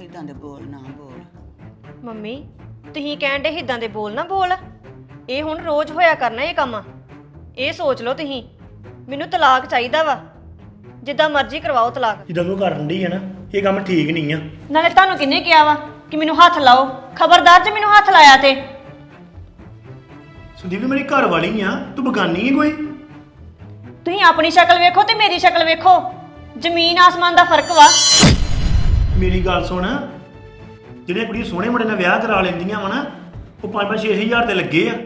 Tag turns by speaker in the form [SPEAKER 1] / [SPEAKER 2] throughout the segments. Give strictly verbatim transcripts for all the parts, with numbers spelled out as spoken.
[SPEAKER 1] ਇਦਾਂ ਦੇ ਬੋਲ ਨਾ ਬੋਲ।
[SPEAKER 2] ਮੰਮੀ ਤੁਸੀਂ ਕਹਿਣ ਦੇ ਇਦਾਂ ਦੇ ਬੋਲ ਨਾ ਬੋਲ। ਇਹ ਹੁਣ ਰੋਜ਼ ਹੋਇਆ ਕਰਨਾ ਇਹ ਕੰਮ। ਇਹ ਸੋਚ ਲਓ ਤੁਸੀਂ, ਮੈਨੂੰ ਤਲਾਕ ਚਾਹੀਦਾ ਵਾ। ਜਿੱਦਾਂ ਮਰਜ਼ੀ ਕਰਵਾਓ ਤਲਾਕ।
[SPEAKER 3] ਜਿੱਦਾਂ ਤੂੰ ਕਰਨ ਡਈ ਹੈ ਨਾ, ਇਹ ਕੰਮ ਠੀਕ ਨਹੀਂ ਆ।
[SPEAKER 2] ਨਾਲੇ ਤੁਹਾਨੂੰ ਕਿਹਨੇ ਕਿਹਾ ਵਾ ਕਿ ਮੈਨੂੰ ਹੱਥ ਲਾਓ? ਖਬਰਦਾਰ ਜੇ ਮੈਨੂੰ ਹੱਥ ਲਾਇਆ ਤੇ।
[SPEAKER 3] ਸੰਦੀਪ ਮੇਰੀ ਘਰ ਵਾਲੀ ਆ, ਤੂੰ ਬਗਾਨੀ ਹੈ ਕੋਈ?
[SPEAKER 2] ਤੁਸੀਂ ਆਪਣੀ ਸ਼ਕਲ ਵੇਖੋ ਤੇ ਮੇਰੀ ਸ਼ਕਲ ਵੇਖੋ, ਜ਼ਮੀਨ ਆਸਮਾਨ ਦਾ ਫਰਕ ਵਾ।
[SPEAKER 3] ਮੇਰੀ ਗੱਲ ਸੁਣ, ਜਿਹੜੇ ਕੁੜੀ ਸੋਹਣੇ ਮੁੰਡੇ ਨਾਲ ਵਿਆਹ ਕਰਾ ਲੈਂਦੀਆਂ ਵਾ ਨਾ, ਉਹ ਪੰਜ ਪੰਜ ਛੇ ਹਜ਼ਾਰ ਤੇ ਲੱਗੇ ਆ।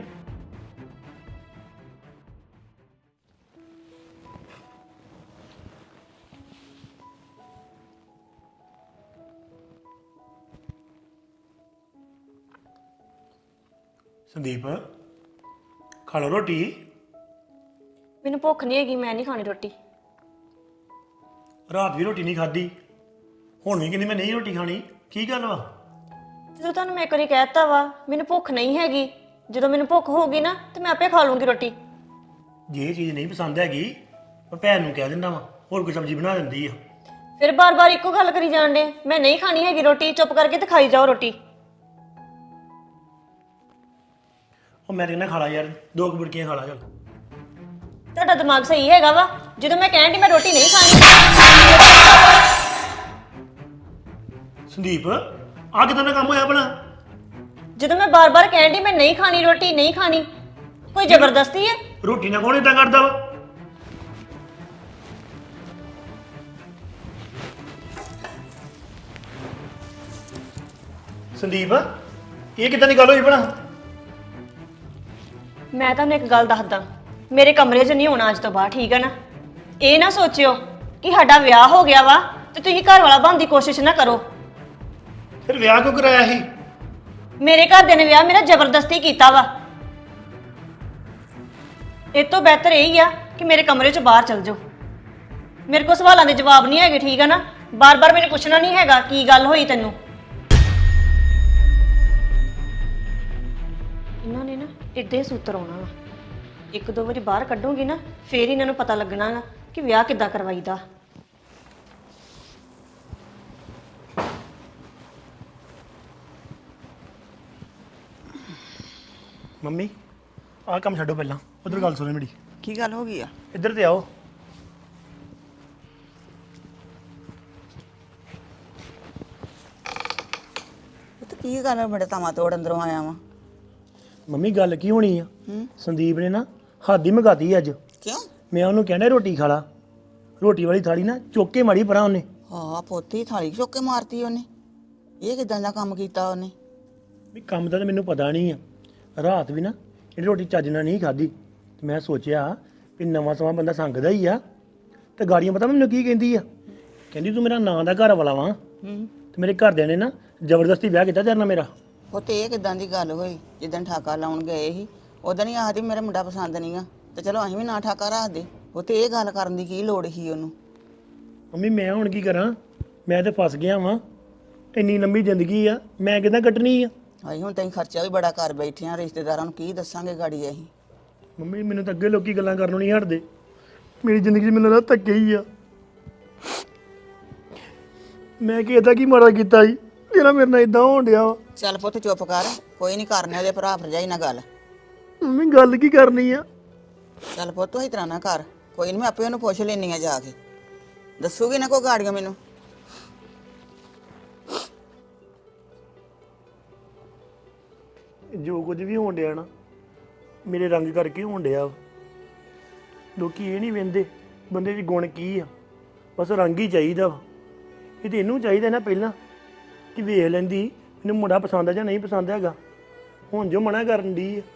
[SPEAKER 3] ਸੰਦੀਪ ਖਾ ਲਓ ਰੋਟੀ।
[SPEAKER 2] ਮੈਨੂੰ ਭੁੱਖ ਨਹੀਂ ਹੈਗੀ, ਮੈਂ ਨਹੀਂ ਖਾਣੀ ਰੋਟੀ।
[SPEAKER 3] ਰਾਤ ਵੀ ਰੋਟੀ ਨਹੀਂ ਖਾਧੀ, ਹੁਣ ਵੀ ਕਹਿੰਦੀ ਮੈਂ ਨਹੀਂ ਰੋਟੀ ਖਾਣੀ, ਕੀ ਗੱਲ ਵਾ?
[SPEAKER 2] ਜਦੋਂ ਤੁਹਾਨੂੰ ਮੈਂ ਇੱਕ ਵਾਰੀ ਕਹਿਤਾ ਵਾ ਮੈਨੂੰ ਭੁੱਖ ਨਹੀਂ ਹੈਗੀ, ਜਦੋਂ ਮੈਨੂੰ ਭੁੱਖ ਹੋਊਗੀ ਨਾ ਤੇ ਮੈਂ ਆਪੇ ਖਾ ਲੂੰਗੀ ਰੋਟੀ।
[SPEAKER 3] ਜੇ ਇਹ ਚੀਜ਼ ਨਹੀਂ ਪਸੰਦ ਹੈਗੀ ਮੈਂ ਭੈਣ ਨੂੰ ਕਹਿ ਦਿੰਦਾ ਵਾ, ਹੋਰ ਕੋਈ ਸਬਜ਼ੀ ਬਣਾ ਦਿੰਦੀ ਆ।
[SPEAKER 2] ਫਿਰ ਬਾਰ-ਬਾਰ ਇੱਕੋ ਗੱਲ ਕਰੀ ਜਾਣ ਡੇ, ਮੈਂ ਨਹੀਂ ਖਾਣੀ ਹੈਗੀ ਰੋਟੀ, ਚੁੱਪ ਕਰਕੇ ਤੇ ਖਾਈ ਜਾਓ ਰੋਟੀ।
[SPEAKER 3] ਉਹ ਮੈਂ ਕਹਿੰਦਾ ਖਾ ਲਾ ਯਾਰ, ਦੋ ਕੁ ਬੁਰਕੀਆਂ ਖਾ ਲਾ ਚੱਲ।
[SPEAKER 2] ਤੁਹਾਡਾ ਦਿਮਾਗ ਸਹੀ ਹੈਗਾ ਵਾ? ਜਦੋਂ ਮੈਂ ਕਹਿਣ ਦੀ ਮੈਂ ਰੋਟੀ ਨਹੀਂ ਖਾਣੀ।
[SPEAKER 3] ਸੰਦੀਪ ਆ ਕਿਦਾਂ ਦਾ ਕੰਮ ਹੋਇਆ ਭਲਾ?
[SPEAKER 2] ਜਦੋਂ ਮੈਂ ਬਾਰ-ਬਾਰ ਕਹਿਣ ਦੀ ਮੈਂ ਨਹੀਂ ਖਾਣੀ ਰੋਟੀ, ਨਹੀਂ ਖਾਣੀ, ਕੋਈ ਜ਼ਬਰਦਸਤੀ ਹੈ?
[SPEAKER 3] ਰੋਟੀ ਨਾਲ ਕੌਣ ਏਦਾਂ ਕਰਦਾ ਵਾ? ਸੰਦੀਪ ਇਹ ਕਿਦਾਂ ਦੀ ਗੱਲ ਹੋਈ ਭਲਾ?
[SPEAKER 2] ਮੈਂ ਤੁਹਾਨੂੰ ਇੱਕ ਗੱਲ ਦੱਸਦਾ, ਮੇਰੇ ਕਮਰੇ 'ਚ ਨਹੀਂ ਹੋਣਾ ਅੱਜ ਤੋਂ ਬਾਅਦ, ਠੀਕ ਹੈ ਨਾ? ਇਹ ਨਾ ਸੋਚਿਓ ਕਿ ਸਾਡਾ ਵਿਆਹ ਹੋ ਗਿਆ ਵਾ ਤੇ ਤੁਸੀਂ ਘਰ ਵਾਲਾ ਬਣਨ ਦੀ ਕੋਸ਼ਿਸ਼ ਨਾ ਕਰੋ।
[SPEAKER 3] ਫਿਰ ਵਿਆਹ ਕਿਉਂ ਕਰਾਇਆ ਸੀ?
[SPEAKER 2] ਮੇਰੇ ਘਰਦਿਆਂ ਨੇ ਵਿਆਹ ਮੇਰਾ ਜ਼ਬਰਦਸਤੀ ਕੀਤਾ ਵਾ। ਇਹ ਤੋਂ ਬਿਹਤਰ ਇਹ ਹੀ ਆ ਕਿ ਮੇਰੇ ਕਮਰੇ 'ਚੋਂ ਬਾਹਰ ਚਲ ਜਾਓ। ਮੇਰੇ ਕੋਲ ਸਵਾਲਾਂ ਦੇ ਜਵਾਬ ਨਹੀਂ ਹੈਗੇ, ਠੀਕ ਹੈ ਨਾ? ਬਾਰ-ਬਾਰ ਮੈਨੂੰ ਪੁੱਛਣਾ ਨਹੀਂ ਹੈਗਾ ਕੀ ਗੱਲ ਹੋਈ ਤੈਨੂੰ। ਇਹਨਾਂ ਨੇ ਨਾ ਇੱਦਾਂ ਹੀ ਸੂਤਰ ਆਉਣਾ ਵਾ। ਇੱਕ ਦੋ ਵਾਰੀ ਬਾਹਰ ਕੱਢੂਗੀ ਨਾ, ਫੇਰ ਇਹਨਾਂ ਨੂੰ ਪਤਾ ਲੱਗਣਾ ਵਾ ਕਿ ਵਿਆਹ ਕਿੱਦਾਂ ਕਰਵਾਈਦਾ।
[SPEAKER 3] ਮੰਮੀ ਆਹ ਕੰਮ ਛੱਡੋ, ਪਹਿਲਾਂ ਉਧਰ ਗੱਲ ਸੁਣੋ ਮੇਰੀ।
[SPEAKER 1] ਕੀ ਗੱਲ ਹੋ ਗਈ ਆ?
[SPEAKER 3] ਇੱਧਰ ਤੇ ਆਓ।
[SPEAKER 1] ਇਹ ਤਾਂ ਕੀ ਗੱਲ ਆ, ਬੜੇ ਤਾਮਾ ਤੋੜ ਅੰਦਰੋਂ ਆਇਆ ਵਾ।
[SPEAKER 3] ਮੰਮੀ ਗੱਲ ਕੀ ਹੋਣੀ ਆ?
[SPEAKER 1] ਹੂੰ
[SPEAKER 3] ਸੰਦੀਪ ਨੇ ਨਾ ਹੱਦ ਹੀ ਮਗਾਤੀ ਅੱਜ।
[SPEAKER 1] ਕਿਉਂ?
[SPEAKER 3] ਮੈਂ ਉਹਨੂੰ ਕਹਿੰਦਾ ਰੋਟੀ ਖਾ ਲਾ, ਰੋਟੀ ਵਾਲੀ ਥਾਲੀ ਨਾ ਚੁੱਕ ਕੇ ਮਾਰੀ ਪਰਾਂ ਉਹਨੇ।
[SPEAKER 1] ਹਾਂ ਪੋਤੀ ਥਾਲੀ ਚੁੱਕ ਕੇ ਮਾਰਤੀ ਉਹਨੇ। ਇਹ ਕਿਦਾਂ ਦਾ ਕੰਮ ਕੀਤਾ ਉਹਨੇ?
[SPEAKER 3] ਵੀ ਕੰਮ ਦਾ ਤਾਂ ਮੈਨੂੰ ਪਤਾ ਨਹੀਂ ਆ। ਰਾਤ ਵੀ ਨਾ ਜਿਹੜੀ ਰੋਟੀ ਚੱਜ ਨਾਲ ਨਹੀਂ ਖਾਧੀ, ਤੇ ਮੈਂ ਸੋਚਿਆ ਵੀ ਨਵਾਂ ਸਮਾਂ ਬੰਦਾ ਸੰਗਦਾ ਹੀ ਆ। ਤੇ ਗਾੜੀਆਂ ਪਤਾ ਮੈਨੂੰ ਕੀ ਕਹਿੰਦੀ ਆ? ਕਹਿੰਦੀ ਤੂੰ ਮੇਰਾ ਨਾਂ ਦਾ ਘਰ ਵਾਲਾ ਵਾਂ,
[SPEAKER 1] ਹੂੰ
[SPEAKER 3] ਤੇ ਮੇਰੇ ਘਰਦਿਆਂ ਨੇ ਨਾ ਜ਼ਬਰਦਸਤੀ ਵਿਆਹ ਕੀਤਾ ਤੇਰੇ ਨਾਲ ਮੇਰਾ।
[SPEAKER 1] ਉਹ ਤੇ ਇਹ ਕਿਦਾਂ ਦੀ ਗੱਲ ਹੋਈ? ਜਿੱਦਣ ਠਾਕਾ ਲਾਉਣ ਗਏ ਸੀ ਉਦੋਂ ਹੀ ਆਖਦੀ ਮੇਰਾ ਮੁੰਡਾ ਪਸੰਦ ਨਹੀਂਗਾ, ਤੇ ਚਲੋ ਅਸੀਂ ਵੀ ਨਾ ਠਾਕਾ ਰੱਖਦੇ। ਉਹ ਤੇ ਇਹ ਗੱਲ ਕਰਨ ਦੀ ਕੀ ਲੋੜ ਸੀ ਉਹਨੂੰ?
[SPEAKER 3] ਮੰਮੀ ਮੈਂ ਹੁਣ ਕੀ ਕਰਾਂ? ਮੈਂ ਤੇ ਫਸ ਗਿਆ ਵਾਂ। ਇੰਨੀ ਲੰਬੀ ਜ਼ਿੰਦਗੀ ਆ, ਮੈਂ ਕਿੱਦਾਂ ਕੱਟਣੀ ਆ?
[SPEAKER 1] ਅਸੀਂ ਹੁਣ ਤਾਂ ਖਰਚਾ ਵੀ ਬੜਾ ਕਰ ਬੈਠੇ ਆ, ਰਿਸ਼ਤੇਦਾਰਾਂ ਨੂੰ ਕੀ ਦੱਸਾਂਗੇ ਗਾੜੀ ਅਸੀਂ?
[SPEAKER 3] ਮੰਮੀ ਮੈਨੂੰ ਤਾਂ ਅੱਗੇ ਲੋਕੀ ਗੱਲਾਂ ਕਰਨੋਂ ਨਹੀਂ ਹਟਦੇ। ਮੇਰੀ ਜ਼ਿੰਦਗੀ 'ਚ ਮੈਨੂੰ ਲੱਗਦਾ ਧੱਕੇ ਹੀ ਆ। ਮੈਂ ਕਿ ਇਹਦਾ ਕੀ ਮਾੜਾ ਕੀਤਾ ਜੀ ਜਿਹੜਾ ਮੇਰੇ ਨਾਲ ਇਦਾਂ ਹੋਣ ਡਿਆ ਵਾ?
[SPEAKER 1] ਚੱਲ ਪੁੱਤ ਚੁੱਪ ਕਰ, ਕੋਈ ਨਹੀਂ ਕਰਨੇ ਉਹਦੇ ਭਰਾ ਭਰਜਾਈ ਨਾਲ ਗੱਲ।
[SPEAKER 3] ਮੰਮੀ ਗੱਲ ਕੀ ਕਰਨੀ ਆ?
[SPEAKER 1] ਚੱਲ ਪੁੱਤ ਤੂੰ ਇਸ ਤਰ੍ਹਾਂ ਨਾ ਕਰ, ਕੋਈ ਨਹੀਂ ਮੈਂ ਆਪੇ ਉਹਨੂੰ ਪੁੱਛ ਲੈਣੀ ਆ ਜਾ ਕੇ, ਦੱਸੂਗੀ ਨਾ ਕੋਈ ਗਾੜੀਆਂ ਮੈਨੂੰ।
[SPEAKER 3] ਜੋ ਕੁਝ ਵੀ ਹੋਣ ਡਿਆ ਨਾ ਮੇਰੇ ਰੰਗ ਕਰਕੇ ਹੋਣ ਡਿਆ ਵਾ। ਲੋਕੀ ਇਹ ਨਹੀਂ ਵੇਂਦੇ ਬੰਦੇ 'ਚ ਗੁਣ ਕੀ ਆ, ਬਸ ਰੰਗ ਹੀ ਚਾਹੀਦਾ ਵਾ। ਇਹ ਤੇ ਇਹਨੂੰ ਚਾਹੀਦਾ ਨਾ ਪਹਿਲਾਂ ਕਿ ਵੇਖ ਲੈਂਦੀ ਮੈਨੂੰ ਮੁੰਡਾ ਪਸੰਦ ਆ ਜਾਂ ਨਹੀਂ ਪਸੰਦ ਹੈਗਾ। ਹੁਣ ਜੋ ਮਨਾ ਕਰਨ ਦੀ ਆ।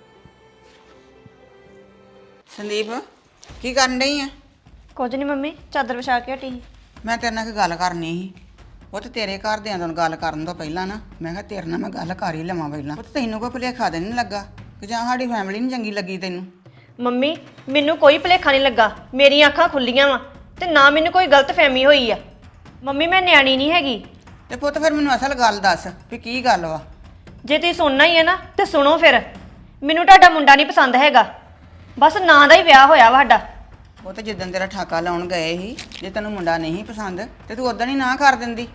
[SPEAKER 1] ਸੰਦੀਪ ਕੀ ਕਰਨ ਡਈ ਆ?
[SPEAKER 2] ਕੁਝ ਨਹੀਂ ਮੰਮੀ, ਚਾਦਰ ਵਿਛਾ ਕੇ ਹਟੀ ਸੀ।
[SPEAKER 1] ਮੈਂ ਤੇਰੇ ਨਾਲ ਇੱਕ ਗੱਲ ਕਰਨੀ ਸੀ। ਉਹ ਤੇ ਤੇਰੇ ਘਰਦਿਆਂ ਨਾਲ ਗੱਲ ਕਰਨ ਤੋਂ ਪਹਿਲਾਂ ਨਾ ਮੈਂ ਕਿਹਾ ਤੇਰੇ ਨਾਲ ਮੈਂ ਗੱਲ ਕਰ ਹੀ ਲਵਾਂ ਪਹਿਲਾਂ। ਉਹ ਤੈਨੂੰ ਕੋਈ ਭੁਲੇਖਾ ਤੇ ਨਹੀਂ ਲੱਗਾ ਕਿ ਜਾਂ ਸਾਡੀ ਫੈਮਿਲੀ ਨਹੀਂ ਚੰਗੀ ਲੱਗੀ ਤੈਨੂੰ?
[SPEAKER 2] ਮੰਮੀ ਮੈਨੂੰ ਕੋਈ ਭੁਲੇਖਾ ਨਹੀਂ ਲੱਗਾ, ਮੇਰੀਆਂ ਅੱਖਾਂ ਖੁੱਲੀਆਂ ਵਾ ਤੇ ਨਾ ਮੈਨੂੰ ਕੋਈ ਗਲਤ ਫਹਿਮੀ ਹੋਈ ਆ। ਮੰਮੀ ਮੈਂ ਨਿਆਣੀ ਨਹੀਂ ਹੈਗੀ।
[SPEAKER 1] ਤੇ ਪੁੱਤ ਫਿਰ ਮੈਨੂੰ ਅਸਲ ਗੱਲ ਦੱਸ ਵੀ ਕੀ ਗੱਲ ਵਾ?
[SPEAKER 2] ਜੇ ਤੁਸੀਂ ਸੁਣਨਾ ਹੀ ਹੈ ਨਾ ਤੇ ਸੁਣੋ ਫਿਰ। ਮੈਨੂੰ ਤੁਹਾਡਾ ਮੁੰਡਾ ਨਹੀਂ ਪਸੰਦ ਹੈਗਾ, ਬਸ ਨਾਂ ਦਾ ਹੀ ਵਿਆਹ ਹੋਇਆ ਵਾ ਸਾਡਾ।
[SPEAKER 1] ਉਹ ਤੇ ਜਿੱਦਣ ਤੇਰਾ ਠਾਕਾ ਲਾਉਣ ਗਏ ਸੀ, ਜੇ ਤੈਨੂੰ ਮੁੰਡਾ ਨਹੀਂ ਪਸੰਦ ਤੇ ਤੂੰ ਉਦੋਂ ਹੀ ਨਾ ਕਰ ਦਿੰਦੀ।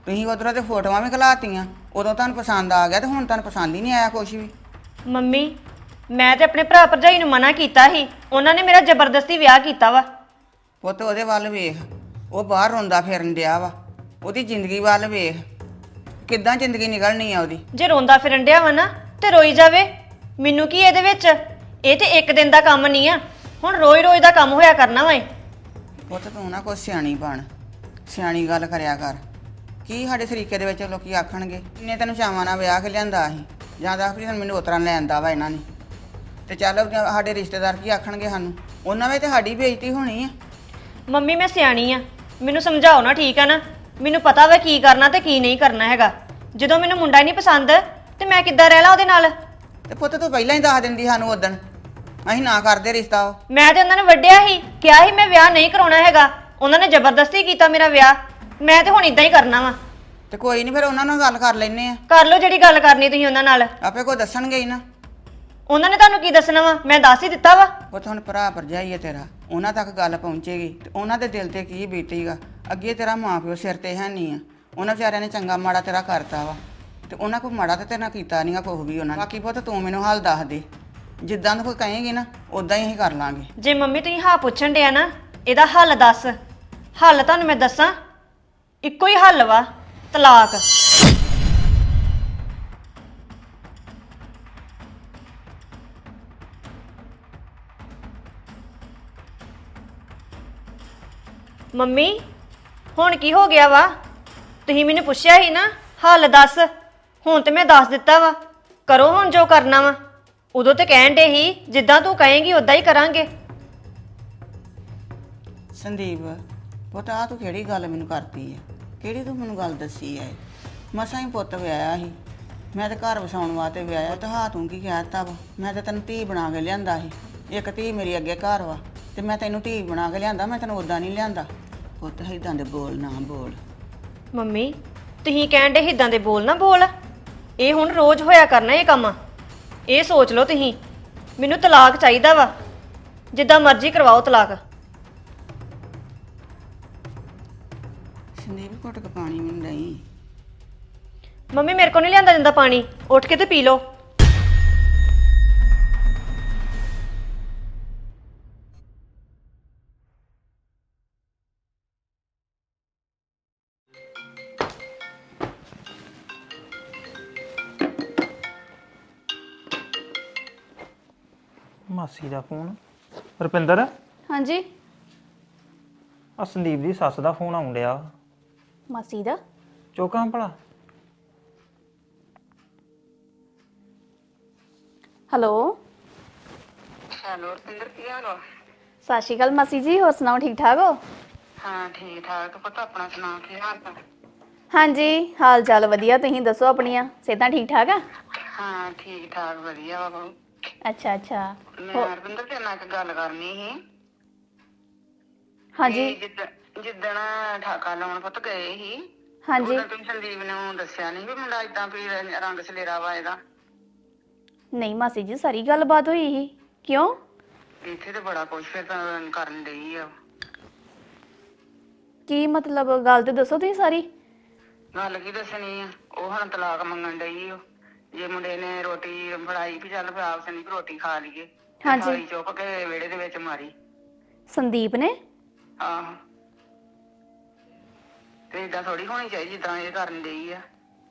[SPEAKER 1] ਤੁਸੀਂ ਉਧਰੋਂ ਤੇ ਫੋਟੋਆਂ ਵੀ ਖਲਾਤੀਆਂ, ਉਦੋਂ ਤੁਹਾਨੂੰ ਪਸੰਦ ਆ ਗਿਆ ਤੇ ਹੁਣ ਤੁਹਾਨੂੰ ਪਸੰਦ ਹੀ ਨਹੀਂ ਆਇਆ ਕੁਛ ਵੀ।
[SPEAKER 2] ਮੰਮੀ ਮੈਂ ਤੇ ਆਪਣੇ ਭਰਾ ਭਰਜਾਈ ਨੂੰ ਮਨਾ ਕੀਤਾ ਸੀ, ਉਹਨਾਂ ਨੇ ਮੇਰਾ ਜ਼ਬਰਦਸਤੀ ਵਿਆਹ ਕੀਤਾ ਵਾ।
[SPEAKER 1] ਪੁੱਤ ਉਹਦੇ ਵੱਲ ਵੇਖ, ਉਹ ਬਾਹਰ ਰੋਂਦਾ ਫਿਰਨ ਡਿਆ ਵਾ, ਉਹਦੀ ਜ਼ਿੰਦਗੀ ਵੱਲ ਵੇਖ, ਕਿੱਦਾਂ ਜ਼ਿੰਦਗੀ ਨਿਕਲਣੀ ਆ ਉਹਦੀ।
[SPEAKER 2] ਜੇ ਰੋਂਦਾ ਫਿਰਨ ਡਿਆ ਵਾ ਨਾ ਤੇ ਰੋਈ ਜਾਵੇ, ਮੈਨੂੰ ਕੀ ਇਹਦੇ ਵਿੱਚ, ਇਹ ਤੇ ਇੱਕ ਦਿਨ ਦਾ ਕੰਮ ਨਹੀਂ ਆ, ਹੁਣ ਰੋਜ਼ ਰੋਜ਼ ਦਾ ਕੰਮ ਹੋਇਆ ਕਰਨਾ ਵਾ ਇਹ।
[SPEAKER 1] ਪੁੱਤ ਤੂੰ ਨਾ ਕੋਈ ਸਿਆਣੀ ਬਣ, ਸਿਆਣੀ ਗੱਲ ਕਰਿਆ ਕਰ। ਕੀ ਸਾਡੇ ਸਰੀਕੇ ਦੇ ਵਿੱਚ ਲੋਕੀ ਆਖਣਗੇ, ਇੰਨੇ ਤੈਨੂੰ ਚਾਵਾਂ ਨਾਲ ਵਿਆਹ ਕੇ ਲਿਆਂਦਾ ਸੀ, ਜਾਂ ਦੱਸ ਵੀ ਮੈਨੂੰ ਉਤਰਾਂ ਲੈਂਦਾ ਵਾ ਇਹਨਾਂ ਨੇ, ਤੇ ਚੱਲ ਸਾਡੇ ਰਿਸ਼ਤੇਦਾਰ ਕੀ ਆਖਣਗੇ ਸਾਨੂੰ, ਉਹਨਾਂ ਵਿੱਚ ਤੇ ਸਾਡੀ ਬੇਇੱਜ਼ਤੀ ਹੋਣੀ ਆ।
[SPEAKER 2] ਮੰਮੀ ਮੈਂ ਸਿਆਣੀ ਆ, ਮੈਨੂੰ ਸਮਝਾਓ ਨਾ, ਠੀਕ ਆ ਨਾ? ਮੈਨੂੰ ਪਤਾ ਵਾ ਕੀ ਕਰਨਾ ਤੇ ਕੀ ਨਹੀਂ ਕਰਨਾ ਹੈਗਾ। ਜਦੋਂ ਮੈਨੂੰ ਮੁੰਡਾ ਹੀ ਨਹੀਂ ਪਸੰਦ ਤੇ ਮੈਂ ਕਿੱਦਾਂ ਰਹਿ ਲਾਂ ਉਹਦੇ ਨਾਲ?
[SPEAKER 1] ਤੇ ਪੁੱਤ ਤੂੰ ਪਹਿਲਾਂ ਹੀ ਦੱਸ ਦਿੰਦੀ ਸਾਨੂੰ ਉਦਣ, ਅਸੀਂ ਨਾ ਕਰਦੇ ਰਿਸ਼ਤਾ ਉਹ।
[SPEAKER 2] ਮੈਂ ਤੇ ਉਹਨਾਂ ਨੂੰ ਵੱਢਿਆ ਸੀ, ਕਿਹਾ ਸੀ ਮੈਂ ਵਿਆਹ ਨਹੀਂ ਕਰਾਉਣਾ ਹੈਗਾ, ਉਹਨਾਂ ਨੇ ਜ਼ਬਰਦਸਤੀ ਕੀਤਾ ਮੇਰਾ ਵਿਆਹ, ਮੈਂ ਤੇ ਹੁਣ ਇਦਾਂ ਹੀ ਕਰਨਾ ਵਾ।
[SPEAKER 1] ਤੇ ਕੋਈ ਨਹੀਂ, ਫਿਰ ਉਹਨਾਂ ਨਾਲ ਗੱਲ ਕਰ ਲੈਨੇ ਆ।
[SPEAKER 2] ਕਰ ਲਓ ਜਿਹੜੀ ਗੱਲ ਕਰਨੀ ਤੁਸੀਂ ਉਹਨਾਂ ਨਾਲ,
[SPEAKER 1] ਆਪੇ ਕੋਈ ਦੱਸਣਗੇ ਹੀ ਨਾ।
[SPEAKER 2] ਉਹਨਾਂ ਨੇ ਤੁਹਾਨੂੰ ਕੀ ਦੱਸਣਾ ਵਾ, ਮੈਂ ਦੱਸ ਹੀ ਦਿੱਤਾ ਵਾ।
[SPEAKER 1] ਉਹ ਤਾਂ ਹੁਣ ਭਰਾ ਭਰਜਾਈ ਹੈ ਤੇਰਾ, ਉਹਨਾਂ ਤੱਕ ਗੱਲ ਪਹੁੰਚੇਗੀ ਤੇ ਉਹਨਾਂ ਦੇ ਦਿਲ ਤੇ ਕੀ ਬੀਤੇਗਾ। ਅੱਗੇ ਤੇਰਾ ਮਾਂ ਪਿਓ ਸਿਰ ਤੇ ਹੈ ਨਹੀਂ ਆ, ਉਹਨਾਂ ਵਿਚਾਰਿਆਂ ਨੇ ਚੰਗਾ ਮਾੜਾ ਤੇਰਾ ਕਰਤਾ ਵਾ, ਤੇ ਉਹਨਾਂ ਕੋਈ ਮਾੜਾ ਤੇ ਤੇਰੇ ਨਾਲ ਕੀਤਾ ਨਹੀਂਗਾ ਕੁਛ ਵੀ ਉਹਨਾਂ ਨੇ। ਬਾਕੀ ਪੁੱਤ ਤੂੰ ਮੈਨੂੰ ਹਾਲ ਦੱਸ ਦੇ, ਜਿੱਦਾਂ ਤੂੰ ਕੋਈ ਕਹੇਂਗੀ ਨਾ ਉਦਾਂ ਹੀ ਅਸੀਂ ਕਰ ਲਾਂਗੇ।
[SPEAKER 2] ਜੇ ਮੰਮੀ ਤੁਸੀਂ ਹਾਂ ਪੁੱਛਣ ਡਿਆ ਨਾ, ਇਹਦਾ ਹੱਲ ਦੱਸ। ਹੱਲ ਤੁਹਾਨੂੰ ਮੈਂ ਦੱਸਾਂ, ਇੱਕੋ ਹੀ ਹੱਲ ਵਾ, ਤਲਾਕ। ਮੰਮੀ ਹੁਣ ਕੀ ਹੋ ਗਿਆ ਵਾ? ਤੁਸੀਂ ਮੈਨੂੰ ਪੁੱਛਿਆ ਸੀ ਨਾ ਹੱਲ ਦੱਸ, ਹੁਣ ਤੇ ਮੈਂ ਦੱਸ ਦਿੱਤਾ ਵਾ, ਕਰੋ ਹੁਣ ਜੋ ਕਰਨਾ ਵਾ। ਉਦੋਂ ਤੇ ਕਹਿਣ ਡੇ ਸੀ ਜਿੱਦਾਂ ਤੂੰ ਕਹੇਂਗੀ ਉਦਾਂ ਹੀ ਕਰਾਂਗੇ।
[SPEAKER 1] ਸੰਦੀਪ ਪੁੱਤ ਆ ਤੂੰ ਕਿਹੜੀ ਗੱਲ ਮੈਨੂੰ ਕਰਤੀ ਹੈ, ਕਿਹੜੀ ਤੂੰ ਮੈਨੂੰ ਗੱਲ ਦੱਸੀ ਹੈ? ਮਸਾਂ ਹੀ ਪੁੱਤ ਵਿਆਹਿਆ ਸੀ ਮੈਂ, ਤੇ ਘਰ ਵਸਾਉਣ ਵਾਸਤੇ ਵਿਆਹਿਆ। ਤੇ ਹਾਂ ਤੂੰ ਕੀ ਕਹਿਤਾ ਵਾ, ਮੈਂ ਤੇ ਤੈਨੂੰ ਧੀ ਬਣਾ ਕੇ ਲਿਆਂਦਾ ਸੀ, ਇੱਕ ਧੀ ਮੇਰੀ ਅੱਗੇ ਘਰ ਵਾ, ਤੇ ਮੈਂ ਤੈਨੂੰ ਧੀ ਬਣਾ ਕੇ ਲਿਆਂਦਾ, ਮੈਂ ਤੈਨੂੰ ਉਦਾਂ ਨਹੀਂ ਲਿਆਂਦਾ। ਪੁੱਤ ਏਦਾਂ ਦੇ ਬੋਲ ਨਾ ਬੋਲ।
[SPEAKER 2] ਮੰਮੀ ਤੁਸੀਂ ਕਹਿਣ ਡੇ ਏਦਾਂ ਦੇ ਬੋਲ ਨਾ ਬੋਲ, ਇਹ ਹੁਣ ਰੋਜ਼ ਹੋਇਆ ਕਰਨਾ ਇਹ ਕੰਮ। ਇਹ ਸੋਚ ਲਓ ਤੁਸੀਂ, ਮੈਨੂੰ ਤਲਾਕ ਚਾਹੀਦਾ ਵਾ, ਜਿੱਦਾਂ ਮਰਜ਼ੀ ਕਰਵਾਓ ਤਲਾਕ।
[SPEAKER 1] ਸੰਦੀਪ ਘੁੱਟ ਕੇ ਪਾਣੀ ਮੈਨੂੰ ਨਹੀਂ।
[SPEAKER 2] ਮੰਮੀ ਮੇਰੇ ਕੋਲ ਨਹੀਂ ਲਿਆਂਦਾ ਜਾਂਦਾ ਪਾਣੀ, ਉੱਠ ਕੇ ਤੇ ਪੀ ਲਓ।
[SPEAKER 4] ਮਾਸੀ ਦਾ ਫੋਨ। ਰੁਪਿੰਦਰ,
[SPEAKER 5] ਹਾਂਜੀ
[SPEAKER 4] ਆ ਸੰਦੀਪ ਦੀ ਸੱਸ ਦਾ ਫੋਨ ਆਉਣ ਡਿਆ।
[SPEAKER 5] ਮਾਸੀ ਦਾ?
[SPEAKER 4] ਚੁੱਕਾਂ ਭਲਾ।
[SPEAKER 5] ਹੈਲੋ
[SPEAKER 1] ਹੈਲੋ ਰੁਪਿੰਦਰ, ਕੀ ਹਾਲ ਵਾ?
[SPEAKER 5] ਸਤਿ ਸ਼੍ਰੀ ਅਕਾਲ ਮਾਸੀ ਜੀ, ਹੋਰ ਸੁਣਾਓ, ਠੀਕ ਠਾਕ ਹੋ?
[SPEAKER 1] ਹਾਂ ਠੀਕ ਠਾਕ। ਪੁੱਤ ਆਪਣਾ ਸੁਣਾ, ਕੀ ਹਾਲ ਚਾਲ?
[SPEAKER 5] ਹਾਂਜੀ ਹਾਲ ਚਾਲ ਵਧੀਆ, ਤੁਸੀਂ ਦੱਸੋ ਆਪਣੀਆਂ ਸਿਹਤਾਂ ਠੀਕ ਠਾਕ ਆ?
[SPEAKER 1] ਹਾਂ ਠੀਕ ਠਾਕ ਵਧੀਆ ਵਾ।
[SPEAKER 5] ਅੱਛਾ ਅੱਛਾ।
[SPEAKER 1] ਮੈਂ ਰਵਿੰਦਰ ਤੇਰੇ ਨਾਲ ਇੱਕ ਗੱਲ ਕਰਨੀ ਸੀ।
[SPEAKER 5] ਹਾਂਜੀ
[SPEAKER 1] ਜਿੱਦਣ ਜਿੱਦਣ ਠਾਕਾ ਲਾਉਣ ਪੁੱਤ ਗਏ ਸੀ,
[SPEAKER 5] ਹਾਂਜੀ।
[SPEAKER 1] ਉਦੋਂ ਤੁਸੀਂ ਸੰਦੀਪ ਨੂੰ ਦੱਸਿਆ ਨਹੀਂ ਵੀ ਮੁੰਡਾ ਏਦਾਂ ਵੀ ਰੰਗ ਸਲੇਰਾ ਵਾ ਇਹਦਾ?
[SPEAKER 5] ਨਹੀਂ ਮਾਸੀ ਜੀ, ਸਾਰੀ ਗੱਲਬਾਤ ਹੋਈ ਸੀ। ਕਿਉਂ?
[SPEAKER 1] ਇੱਥੇ ਤੇ ਬੜਾ ਕੁਛ ਫਿਰ ਤਾਂ ਕਰਨ ਡਈ ਆ।
[SPEAKER 5] ਕੀ ਮਤਲਬ, ਗੱਲ ਤੇ ਦੱਸੋ ਤੁਸੀਂ ਸਾਰੀ।
[SPEAKER 1] ਗੱਲ ਕੀ ਦੱਸਣੀ ਆ, ਉਹ ਹੁਣ ਤਲਾਕ ਮੰਗਣ ਡਈ ਓ। ਜੇ ਮੁੰਡੇ ਨੇ ਰੋਟੀ ਫੜਾਈ ਵੀ ਚੱਲ ਪਿਆ ਸੰਦੀਪ ਰੋਟੀ ਖਾ ਲਈਏ,
[SPEAKER 5] ਹਾਂਜੀ।
[SPEAKER 1] ਥਾਲੀ ਚੁੱਕ ਕੇ ਵਿਹੜੇ ਦੇ ਵਿੱਚ ਮਾਰੀ।
[SPEAKER 5] ਸੰਦੀਪ ਨੇ?
[SPEAKER 1] ਆਹੋ। ਤੇ ਏਦਾਂ ਥੋੜੀ ਹੋਣੀ ਚਾਹੀਦੀ ਜਿੱਦਾਂ ਇਹ ਕਰਨ ਡਈ ਆ।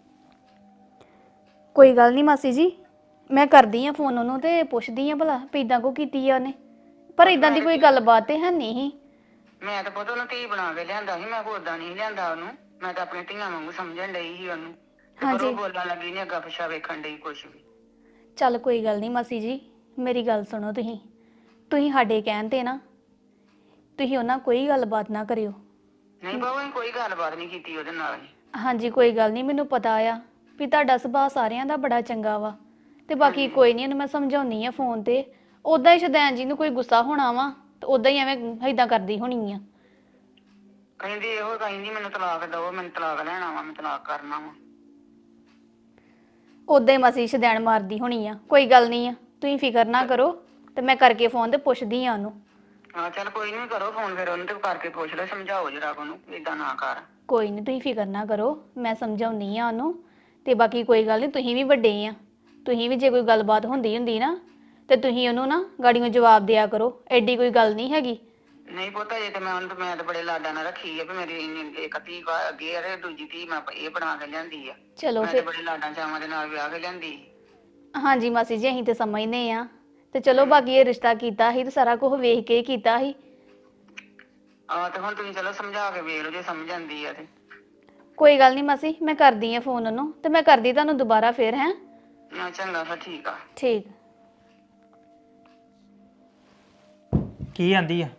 [SPEAKER 5] ਕੋਈ ਗੱਲ ਨਹੀਂ ਮਾਸੀ ਜੀ, ਮੈਂ ਕਰਦੀ ਆ ਫੋਨ ਉਹਨੂੰ ਤੇ ਪੁੱਛਦੀ ਆ ਭਲਾ ਵੀ ਇਦਾਂ ਕੋ ਕੀਤੀ ਆ ਉਹਨੇ, ਪਰ ਇਦਾਂ ਦੀ ਕੋਈ ਗੱਲਬਾਤ ਤੇ ਹੈ ਨਹੀਂ ਸੀ।
[SPEAKER 1] ਮੈਂ ਤਾਂ ਪੁੱਤ ਉਹਨੂੰ ਧੀ ਬਣਾ ਕੇ ਲਿਆਂਦਾ ਸੀ, ਮੈਂ ਕੋਈ ਓਦਾਂ ਨਹੀਂ ਲਿਆਂਦਾ ਉਹਨੂੰ, ਮੈਂ ਤਾਂ ਆਪਣੀ ਧੀਆਂ ਵਾਂਗੂ ਸਮਝਣ ਡਈ ਸੀ ਉਹਨੂੰ। ਤੇ ਪਰ ਉਹ ਬੋਲਣ ਲੱਗੀ ਨੀ, ਅੱਗਾ ਪਿੱਛਾ ਵੇਖਣ ਡਈ ਕੁਛ ਵੀ।
[SPEAKER 5] ਚੱਲ ਕੋਈ ਗੱਲ ਨਹੀਂ ਮਾਸੀ ਜੀ, ਮੇਰੀ ਗੱਲ ਸੁਣੋ, ਤੁਸੀਂ ਤੁਸੀਂ ਸਾਡੇ ਕਹਿਣ ਤੇ ਨਾ ਤੁਸੀਂ ਉਹਨਾਂ ਕੋਈ ਗੱਲਬਾਤ ਨਾ ਕਰਿਓ।
[SPEAKER 1] ਨਹੀਂ ਬਾਬਾ ਅਸੀਂ ਕੋਈ ਗੱਲਬਾਤ ਨਹੀਂ ਕੀਤੀ ਉਹਦੇ ਨਾਲ।
[SPEAKER 5] ਹਾਂਜੀ ਕੋਈ ਗੱਲ ਨਹੀਂ, ਮੈਨੂੰ ਪਤਾ ਆ ਵੀ ਤੁਹਾਡਾ ਸੁਭਾਅ ਸਾਰਿਆਂ ਦਾ ਬੜਾ ਚੰਗਾ ਵਾ, ਤੇ ਬਾਕੀ ਕੋਈ ਨਹੀਂ, ਇਹਨੂੰ ਮੈਂ ਸਮਝਾਉਣੀ ਆ ਫੋਨ ਤੇ। ਉਦਾਂ ਹੀ ਸ਼ਦੈਨ ਜੀ ਨੂੰ ਕੋਈ ਗੁੱਸਾ ਹੋਣਾ ਵਾ ਤੇ ਉਦਾਂ ਹੀ ਐਵੇਂ ਏਦਾਂ ਕਰਦੀ ਹੋਣੀ ਆ।
[SPEAKER 1] ਕਹਿੰਦੀ ਇਹੋ ਕਹਿੰਦੀ ਮੈਨੂੰ ਤਲਾਕ ਦਓ, ਮੈਨੂੰ ਤਲਾਕ ਲੈਣਾ ਵਾ, ਮੈਂ ਤਲਾਕ ਕਰਨਾ ਵਾ।
[SPEAKER 5] ਉਦਾਂ ਹੀ ਮਸੀ ਸ਼ਦੈਨ ਮਾਰਦੀ ਹੋਣੀ ਆ। ਕੋਈ ਗੱਲ ਨਹੀਂ ਆ, ਤੁਸੀਂ ਫਿਕਰ ਨਾ ਕਰੋ, ਤੇ ਮੈਂ ਕਰਕੇ ਫੋਨ ਤੇ ਪੁੱਛਦੀ ਆ ਉਹਨੂੰ।
[SPEAKER 1] ਹਾਂ ਚੱਲ ਕੋਈ ਨਹੀਂ, ਕਰੋ ਫੋਨ ਫਿਰ ਉਹਨੂੰ ਤੇ ਕਰਕੇ ਪੁੱਛ ਲਓ, ਸਮਝਾਓ ਜਰਾ ਉਹਨੂੰ ਏਦਾਂ ਨਾ ਕਰ।
[SPEAKER 5] ਕੋਈ ਨਹੀਂ ਤੁਸੀਂ ਫਿਕਰ ਨਾ ਕਰੋ, ਮੈਂ ਸਮਝਾਉਣੀ ਆ ਉਹਨੂੰ। ਤੇ ਬਾਕੀ ਕੋਈ ਗੱਲ ਨਹੀਂ, ਤੁਸੀਂ ਵੀ ਵੱਡੇ ਆ, ਤੁਸੀਂ ਵੀ ਜੇ ਕੋਈ ਗੱਲਬਾਤ ਹੁੰਦੀ ਹੁੰਦੀ ਨਾ ਤੇ ਤੁਸੀਂ ਉਹਨੂੰ ਨਾ ਗਾੜੀਆਂ ਜਵਾਬ ਦਿਆ ਕਰੋ, ਐਡੀ ਕੋਈ ਗੱਲ ਨਹੀਂ ਹੈਗੀ।
[SPEAKER 1] ਨਹੀਂ ਪੁੱਤ ਇਹ ਤੇ ਮੈਂ ਉਹਨੂੰ ਤੇ ਮੈਂ ਤੇ ਬੜੇ ਲਾਡਾਂ ਨਾਲ ਰੱਖੀ ਆ ਵੀ ਮੇਰੀ ਇੰਨੀ- ਇੱਕ ਧੀ ਵਾ- ਅੱਗੇ ਆ ਤੇ ਦੂਜੀ ਧੀ ਮੈਂ ਇਹ ਬਣਾ ਕੇ ਲਿਆਂਦੀ ਆ।
[SPEAKER 5] ਚਲੋ
[SPEAKER 1] ਮੈਂ ਤੇ
[SPEAKER 5] ਫਿਰ
[SPEAKER 1] ਬੜੇ ਲਾਡਾਂ ਚਾਵਾਂ ਦੇ ਨਾਲ ਵਿਆਹ ਕੇ ਲਿਆਂਦੀ।
[SPEAKER 5] ਹਾਂਜੀ ਮਾਸੀ ਜੀ, ਅਸੀਂ ਤੇ ਸਮਝਦੇ ਆ। ਤੇ ਚਲੋ ਬਾਕੀ ਇਹ ਰਿਸ਼ਤਾ ਕੀਤਾ ਸੀ ਤੇ ਸਾਰਾ ਕੁਝ ਵੇਖ ਕੇ ਹੀ ਕੀਤਾ ਸੀ।
[SPEAKER 1] ਆਹ ਤੇ ਹੁਣ ਤੁਸੀਂ ਚਲੋ ਸਮਝਾ ਕੇ ਵੇਖ ਲਓ ਜੇ ਸਮਝ ਆਂਦੀ ਆ ਤੇ।
[SPEAKER 5] ਕੋਈ ਗੱਲ ਨਹੀਂ ਮਾਸੀ, ਮੈਂ ਕਰਦੀ ਆ ਫੋਨ ਉਹਨੂੰ ਤੇ ਮੈਂ ਕਰਦੀ ਤੁਹਾਨੂੰ ਦੁਬਾਰਾ ਫੇਰ। ਹੈ
[SPEAKER 1] ਨਾ ਚੰਗਾ ਫਿਰ ਠੀਕ ਆ।
[SPEAKER 5] ਠੀਕ।
[SPEAKER 4] ਕੀ ਆਂਦੀ ਆ?